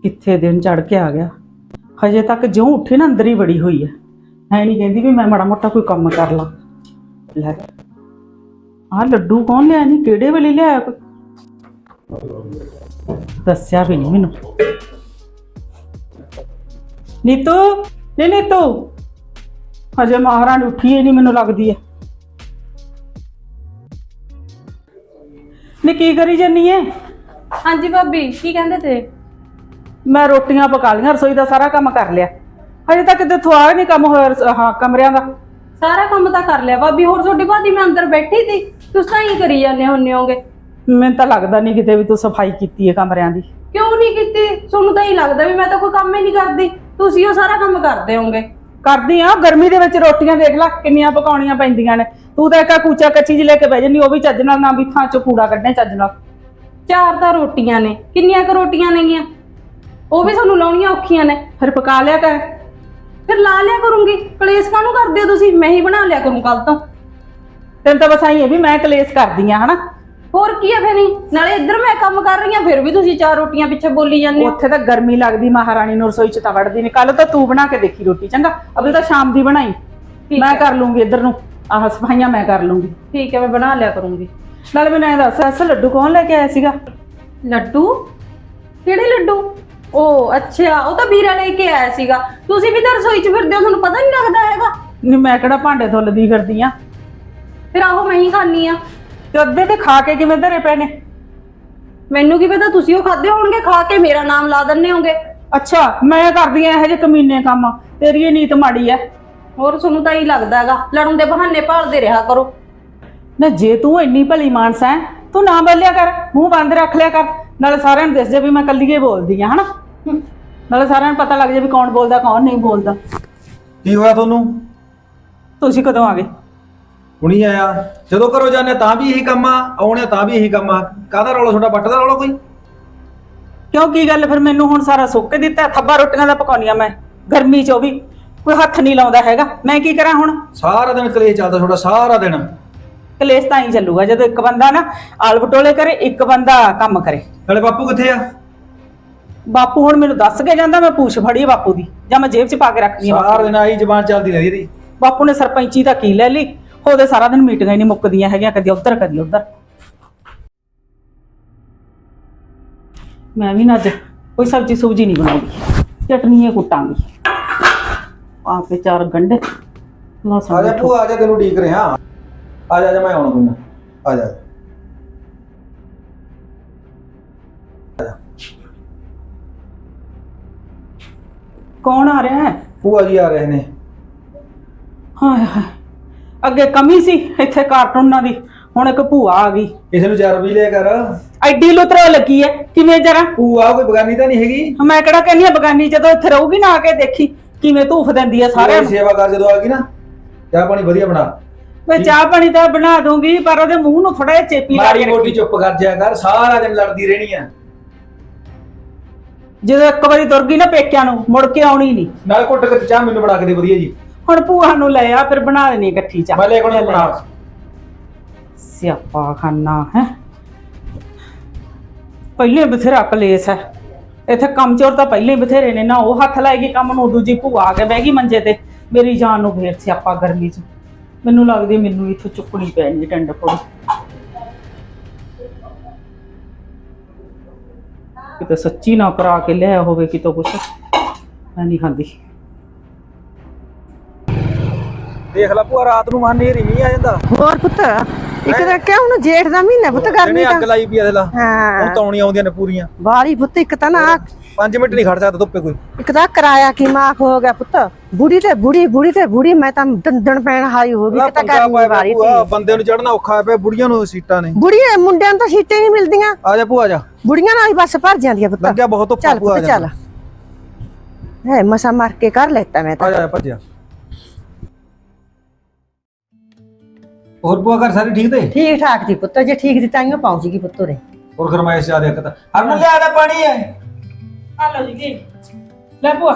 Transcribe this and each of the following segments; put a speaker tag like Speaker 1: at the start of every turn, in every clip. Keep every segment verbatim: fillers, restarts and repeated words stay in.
Speaker 1: कित्थे दिन चढ़ के आ गया। हजे तक ज्यों उठी ना अंदर ही बड़ी हुई है है नहीं कहती भी मैं माड़ा मोटा कोई काम कर ला। लै आ लड्डू कौन लिया नहीं केड़े वेले लिया कोई दस्या भी नहीं मैनू। नीतू नहीं नीतू हजे महारानी उठी ही नहीं मैनू लगती है। नी की करी जानी है?
Speaker 2: हाँ जी भाभी की कहते थे?
Speaker 1: मैं रोटियां पका लिया रसोई का सारा काम कर लिया हजे तक इतों आ नहीं कम होया। हाँ कमरिया का
Speaker 2: सारा काम तो कर लिया भाभी। होर छोटी भाभी मैं अंदर बैठी थी तुस तां ही करी जाने होने होगे।
Speaker 1: मैं तो लगता नहीं किते भी तू सफाई की है कमरिया की।
Speaker 2: क्यों नहीं की? सोनू तो ही लगता भी मैं तो कोई काम ही नहीं करती तुसी वो सारा काम करते होंगे।
Speaker 1: करदी हाँ गर्मी दे विच रोटियां देख ला किन्नियां पकाउणियां पैंदियां ने। तू तो एक कूचा कच्ची जी लेके बह जानी वो भी चज नाल ना भी थां चो कूड़ा कड्ढे चज नाल।
Speaker 2: चार तो रोटियां ने किन्नियां क रोटियां नेगियां वो भी सानू लाउणियां औखियां ने।
Speaker 1: फिर पका लिया कर।
Speaker 2: फिर ला लिया करूंगी कलेस कानू करदे हो तुसी? मैं ही बना लिया करूं कल तो।
Speaker 1: तेन तो बस आई है भी मैं कलेस करदी हाँ है ना।
Speaker 2: होर की है फिर नहीं नाले इधर मैं काम कर रही हूं फिर भी तुसी चार रोटियां पिछे बोली जांदे हो।
Speaker 1: उत्थे तो गर्मी लगदी महारानी नूं रसोई च तां वड़दी नहीं। कल तो तू बना के देखी रोटी चंगा अभी तो शाम दी बनाई मैं कर लूंगी इधर नूं आह सफाइयां मैं कर लूंगी।
Speaker 2: ठीक है मैं बना लिया करूंगी।
Speaker 1: नाले मैनूं ऐ दस ऐसा लड्डू कौन लेके आया सीगा?
Speaker 2: लड्डू किहड़े लड्डू? ओ अच्छा वो तो ਵੀਰਾ लेके आया ਸੀਗਾ। ਤੁਸੀਂ ਵੀ ਤਾਂ ਰਸੋਈ 'ਚ ਫਿਰਦੇ ਹੋ ਤੁਹਾਨੂੰ ਪਤਾ ਨਹੀਂ ਲੱਗਦਾ ਹੈਗਾ।
Speaker 1: नहीं मैं किहड़ा भांडे धुलदी फिरदी ਆਂ।
Speaker 2: ਫਿਰ ਆਹੋ ਮੈਂ ਹੀ ਖਾਣੀ ਆ
Speaker 1: ते अद्धे ते खा के किवें धरे पए ने?
Speaker 2: ਮੈਨੂੰ ਕੀ ਪਤਾ ਤੁਸੀਂ ਉਹ ਖਾਦੇ ਹੋਣਗੇ ਖਾ ਕੇ ਮੇਰਾ ਨਾਮ ਲਾ ਦਿੰਨੇ ਹੋਗੇ।
Speaker 1: अच्छा मैं करदी ਆਂ ਇਹੋ ਜਿਹੇ ਕਮੀਨੇ ਕੰਮ तेरी ये नीत माड़ी है।
Speaker 2: ਹੋਰ ਤੁਹਾਨੂੰ ਤਾਂ ਹੀ ਲੱਗਦਾ ਹੈਗਾ ਲੜਨ ਦੇ ਬਹਾਨੇ ਭਾਲਦੇ ਰਿਹਾ ਕਰੋ।
Speaker 1: ना जे तू इन्नी भली मानस है तू ना बोलिया कर मुंह बंद रख लिया कर नाले सारिਆਂ ਨੂੰ दस जे भी मैं कल्ली ही बोलदी हाँ है ना। नाले सारिਆਂ ਨੂੰ पता लग जाए भी कौन बोलता कौन नहीं बोलता।
Speaker 3: ਕੀ ਹੋਇਆ ਤੁਹਾਨੂੰ?
Speaker 1: ਤੁਸੀਂ ਕਦੋਂ ਆ ਗਏ?
Speaker 3: ਹੁਣੀ ਆਇਆ ਜਦੋਂ ਘਰੋਂ ਜਾਂਦੇ ਤਾਂ ਵੀ ਇਹੀ ਕੰਮ ਆ ਆਉਣੇ ਤਾਂ ਵੀ ਇਹੀ ਕੰਮ ਆ। ਕਾਹਦਾ ਰੌਲਾ ਤੁਹਾਡਾ ਬੱਟ ਦਾ ਰੌਲਾ ਕੋਈ?
Speaker 1: ਕਿਉਂ ਕੀ ਗੱਲ ਫਿਰ ਮੈਨੂੰ ਹੁਣ ਸਾਰਾ ਸੁੱਕ ਕੇ ਦਿੱਤਾ ਥੱਬਾ ਰੋਟੀਆਂ ਦਾ ਪਕਾਉਣੀਆਂ ਮੈਂ ਗਰਮੀ ਚ ਉਹ ਵੀ ਕੋਈ ਹੱਥ ਨਹੀਂ ਲਾਉਂਦਾ ਹੈਗਾ ਮੈਂ ਕੀ ਕਰਾਂ ਹੁਣ?
Speaker 3: ਸਾਰਾ ਦਿਨ ਕਲੇਸ਼ ਚੱਲਦਾ ਤੁਹਾਡਾ ਸਾਰਾ ਦਿਨ।
Speaker 1: ਕਲੇਸ਼ ਤਾਂ ਹੀ ਚੱਲੂਗਾ ਜਦੋਂ ਇੱਕ ਬੰਦਾ ਨਾ ਆਲ ਬਟੋਲੇ ਕਰੇ ਇੱਕ ਬੰਦਾ ਕੰਮ ਕਰੇ।
Speaker 3: ਨਾਲੇ ਬਾਪੂ ਕਿੱਥੇ ਆ?
Speaker 1: ਬਾਪੂ ਹੁਣ ਮੈਨੂੰ ਦੱਸ ਕੇ ਜਾਂਦਾ ਮੈਂ ਪੂਛ ਫੜੀ ਬਾਪੂ ਦੀ ਜਾਂ ਮੈਂ ਜੇਬ 'ਚ ਪਾ ਕੇ ਰੱਖਦੀ ਆ।
Speaker 3: ਸਾਰਾ ਦਿਨ ਆਹੀ ਜ਼ਬਾਨ ਚੱਲਦੀ ਰਹਿੰਦੀ ਇਹਦੀ।
Speaker 1: ਬਾਪੂ ਨੇ ਸਰਪੰਚੀ ਤਾਂ ਕੀ ਲੈ ਲਈ ਉਹਦੇ ਸਾਰਾ ਦਿਨ ਮੀਟਿੰਗਾਂ ਹੀ ਨਹੀਂ ਮੁੱਕਦੀਆਂ ਹੈਗੀਆਂ ਕਦੀ ਉੱਧਰ ਕਦੀ ਉੱਧਰ। ਮੈਂ ਵੀ ਨਾ ਅੱਜ ਕੋਈ ਸਬਜ਼ੀ ਸੁਬਜੀ ਨਹੀਂ ਬਣਾਉਂਦੀ ਚਟਨੀ ਕੁੱਟਾਂਗੀ ਆ ਕੇ ਚਾਰ ਗੰਢੇ ਲਸਣ।
Speaker 3: ਆ ਜਾ ਭੂਆ ਆ ਜਾ ਤੈਨੂੰ ਢੀਕ ਰਿਹਾ। ਆ ਜਾ ਜਾ ਮੈਂ ਆਉਣਾ ਕੋਈ ਨਾ ਆ ਜਾ।
Speaker 1: ਕੌਣ ਆ ਰਿਹਾ ਹੈ?
Speaker 3: ਭੂਆ ਜੀ ਆ ਰਹੇ ਨੇ।
Speaker 1: ਹਾਏ ਹਾਏ ਅੱਗੇ ਕਮੀ ਸੀ ਇੱਥੇ ਕਾਰਟੂਨਾਂ ਦੀ ਹੁਣ ਇੱਕ ਭੂਆ ਆ ਗਈ।
Speaker 3: ਕਿਸੇ ਨੂੰ ਚਾਰ ਵੀ ਲਿਆ ਕਰ।
Speaker 1: ਐਡੀ ਲੁਤਰੋ ਲੱਗੀ ਹੈ ਕਿਵੇਂ ਜਰਾ।
Speaker 3: ਭੂਆ ਕੋਈ ਬਗਾਨੀ ਤਾਂ ਨਹੀਂ ਹੈਗੀ।
Speaker 1: ਮੈਂ ਕਿਹੜਾ ਕਹਿੰਦੀ ਆ ਬਗਾਨੀ ਜਦੋਂ ਇੱਥੇ ਰਹੂਗੀ ਨਾ ਆ ਕੇ ਦੇਖੀ ਕਿਵੇਂ ਧੂਫ ਦਿੰਦੀ ਆ ਸਾਰਿਆਂ ਨੂੰ।
Speaker 3: ਸੇਵਾ ਕਰ ਜਦੋਂ ਆ ਗਈ ਨਾ ਚਾਹ ਪਾਣੀ ਵਧੀਆ ਬਣਾ।
Speaker 1: ਮੈਂ ਚਾਹ ਪਾਣੀ ਤਾਂ ਬਣਾ ਦੂੰਗੀ ਪਰ ਉਹਦੇ ਮੂੰਹ ਨੂੰ ਥੋੜਾ ਜਿਹਾ ਚੇਪੀ ਲਾ
Speaker 3: ਮਾੜੀ
Speaker 1: ਕੇ
Speaker 3: ਮੋਟੀ ਚੁੱਪ ਕਰ ਜਾਇਆ ਕਰ ਸਾਰਾ ਦਿਨ ਲੜਦੀ ਰਹਿਣੀ ਆ।
Speaker 1: ਜਦੋਂ ਇੱਕ ਵਾਰੀ ਤੁਰ ਗਈ ਨਾ ਪੇਕਿਆਂ ਨੂੰ ਮੁੜ ਕੇ ਆਉਣੀ ਨਹੀਂ।
Speaker 3: ਨਾਲ ਘੁੱਟ ਕੇ ਚਾਹ ਮੈਨੂੰ ਬਣਾ ਕੇ ਦੇ ਵਧੀਆ ਜੀ।
Speaker 1: ਹੁਣ ਭੂਆ ਨੂੰ ਲੈ ਆ ਫਿਰ ਬਣਾ ਦੇਣੀ ਇਕੱਠੀ ਚਾਹ।
Speaker 3: ਮੈਂ ਲੈ ਕੇ ਬਣਾ।
Speaker 1: ਸਿਆਪਾ ਖਾਨਾ ਹੈ ਪਹਿਲੇ ਬਥੇਰਾ ਕਲੇਸ਼ ਹੈ ਇੱਥੇ ਕੰਮ ਚੋਰ ਤਾਂ ਪਹਿਲੇ ਹੀ ਬਥੇਰੇ ਨੇ ਨਾ ਉਹ ਹੱਥ ਲਾਏਗੀ ਕੰਮ ਨੂੰ ਦੂਜੀ ਭੂਆ ਆ ਕੇ ਬਹਿ ਗਈ ਮੰਜੇ ਤੇ ਮੇਰੀ ਜਾਨ ਨੂੰ ਫੇਰ ਸਿਆਪਾ ਗਰਮੀ 'ਚ ਮੈਨੂੰ ਲੱਗਦੀ ਮੈਨੂੰ ਇੱਥੋਂ ਚੁੱਕਣੀ ਪੈਣੀ ਟੰਡ ਫੋੜੀ। ਕਿਤੇ ਸੱਚੀ ਨਾ ਕਰਾ ਕੇ ਲਿਆ ਹੋਵੇ ਕਿਤੋਂ ਕੁਛ ਮੈਂ ਨਹੀਂ ਖਾਂਦੀ।
Speaker 3: ਦੇਖ ਲੈ ਭੂਆ ਰਾਤ ਨੂੰ ਮਨ ਨੇਰੀ ਨਹੀਂ ਆ ਜਾਂਦਾ।
Speaker 4: ਹੋਰ ਪੁੱਤ ਇੱਕ ਤਾਂ ਕਿਹਾ ਹੁਣ ਜੇਠ ਦਾ ਮਹੀਨਾ ਪੁੱਤ ਗਰਮੀ
Speaker 3: ਅੱਗ
Speaker 4: ਦਾ।
Speaker 3: ਲਾਈ ਪਈ ਆ ਦੇ ਲਾ
Speaker 4: ਹਾਂ
Speaker 3: ਹੁਣ ਤੌਣੀਆਂ ਆਉਂਦੀਆਂ ਨੇ ਪੂਰੀਆਂ।
Speaker 4: ਬਾਲੀ ਪੁੱਤ ਇੱਕ ਤਾਂ ਨਾ
Speaker 3: ਪੰਜ ਮਿੰਟ ਨਹੀਂ ਖੜ ਸਕਦਾ ਧੁੱਪੇ ਕੋਈ।
Speaker 4: ਇੱਕ ਤਾਂ ਕਿਰਾਇਆ ਕੀ ਮਾਫ ਹੋ ਗਿਆ ਪੁੱਤ ਬੁੜੀ ਤੇ ਬੁੜੀ ਬੁੜੀ ਤੇ ਬੁੜੀ ਮੈਂ ਤਾਂ ਦੰਦਣ ਪੈਣ ਹਾਈ ਹੋ ਗਈ ਕਿਤਾ ਗਰਮੀ ਵਾਲੀ
Speaker 3: ਭੂਆ ਬੰਦੇ ਨੂੰ ਚੜਨਾ ਔਖਾ ਪਿਆ ਬੁੜੀਆਂ ਨੂੰ ਸੀਟਾਂ ਨੇ।
Speaker 4: ਬੁੜੀਆਂ ਮੁੰਡਿਆਂ ਨੂੰ ਤਾਂ ਸੀਟਾਂ ਨਹੀਂ ਮਿਲਦੀਆਂ।
Speaker 3: ਆ ਜਾ ਭੂਆ ਜਾ
Speaker 4: ਬੁੜੀਆਂ ਨਾਲ ਹੀ ਬੱਸ ਭਰ ਜਾਂਦੀਆਂ ਪੁੱਤ।
Speaker 3: ਲੱਗਿਆ ਬਹੁਤ ਧੁੱਪ
Speaker 4: ਚੱਲ
Speaker 3: ਭੂਆ
Speaker 4: ਪੁੱਤ
Speaker 3: ਜਾ।
Speaker 4: ਚੱਲ ਹੈ ਮਸਾ ਮਾਰ ਕੇ ਕਰ ਲੈਤਾ ਮੈਂ ਤਾਂ।
Speaker 3: ਆ ਜਾ ਭੱਜਿਆ। ਹੋਰ ਭੂਆ ਘਰ ਸਾਰੇ ਠੀਕ ਤੇ?
Speaker 4: ਠੀਕ ਠਾਕ ਜੀ ਪੁੱਤ ਜੇ ਠੀਕ ਦੀ ਤਾਈਓ ਪਹੁੰਚੇਗੀ ਪੁੱਤ ਰੇ।
Speaker 3: ਹੋਰ ਗਰਮਾਇਸ਼ ਜ਼ਿਆਦਾ ਇੱਕ ਤਾਂ ਹਰਨ ਲਿਆ ਦਾ ਪਾਣੀ ਹੈ।
Speaker 1: ਆ ਲਓ ਜੀ ਲੈ ਭੂਆ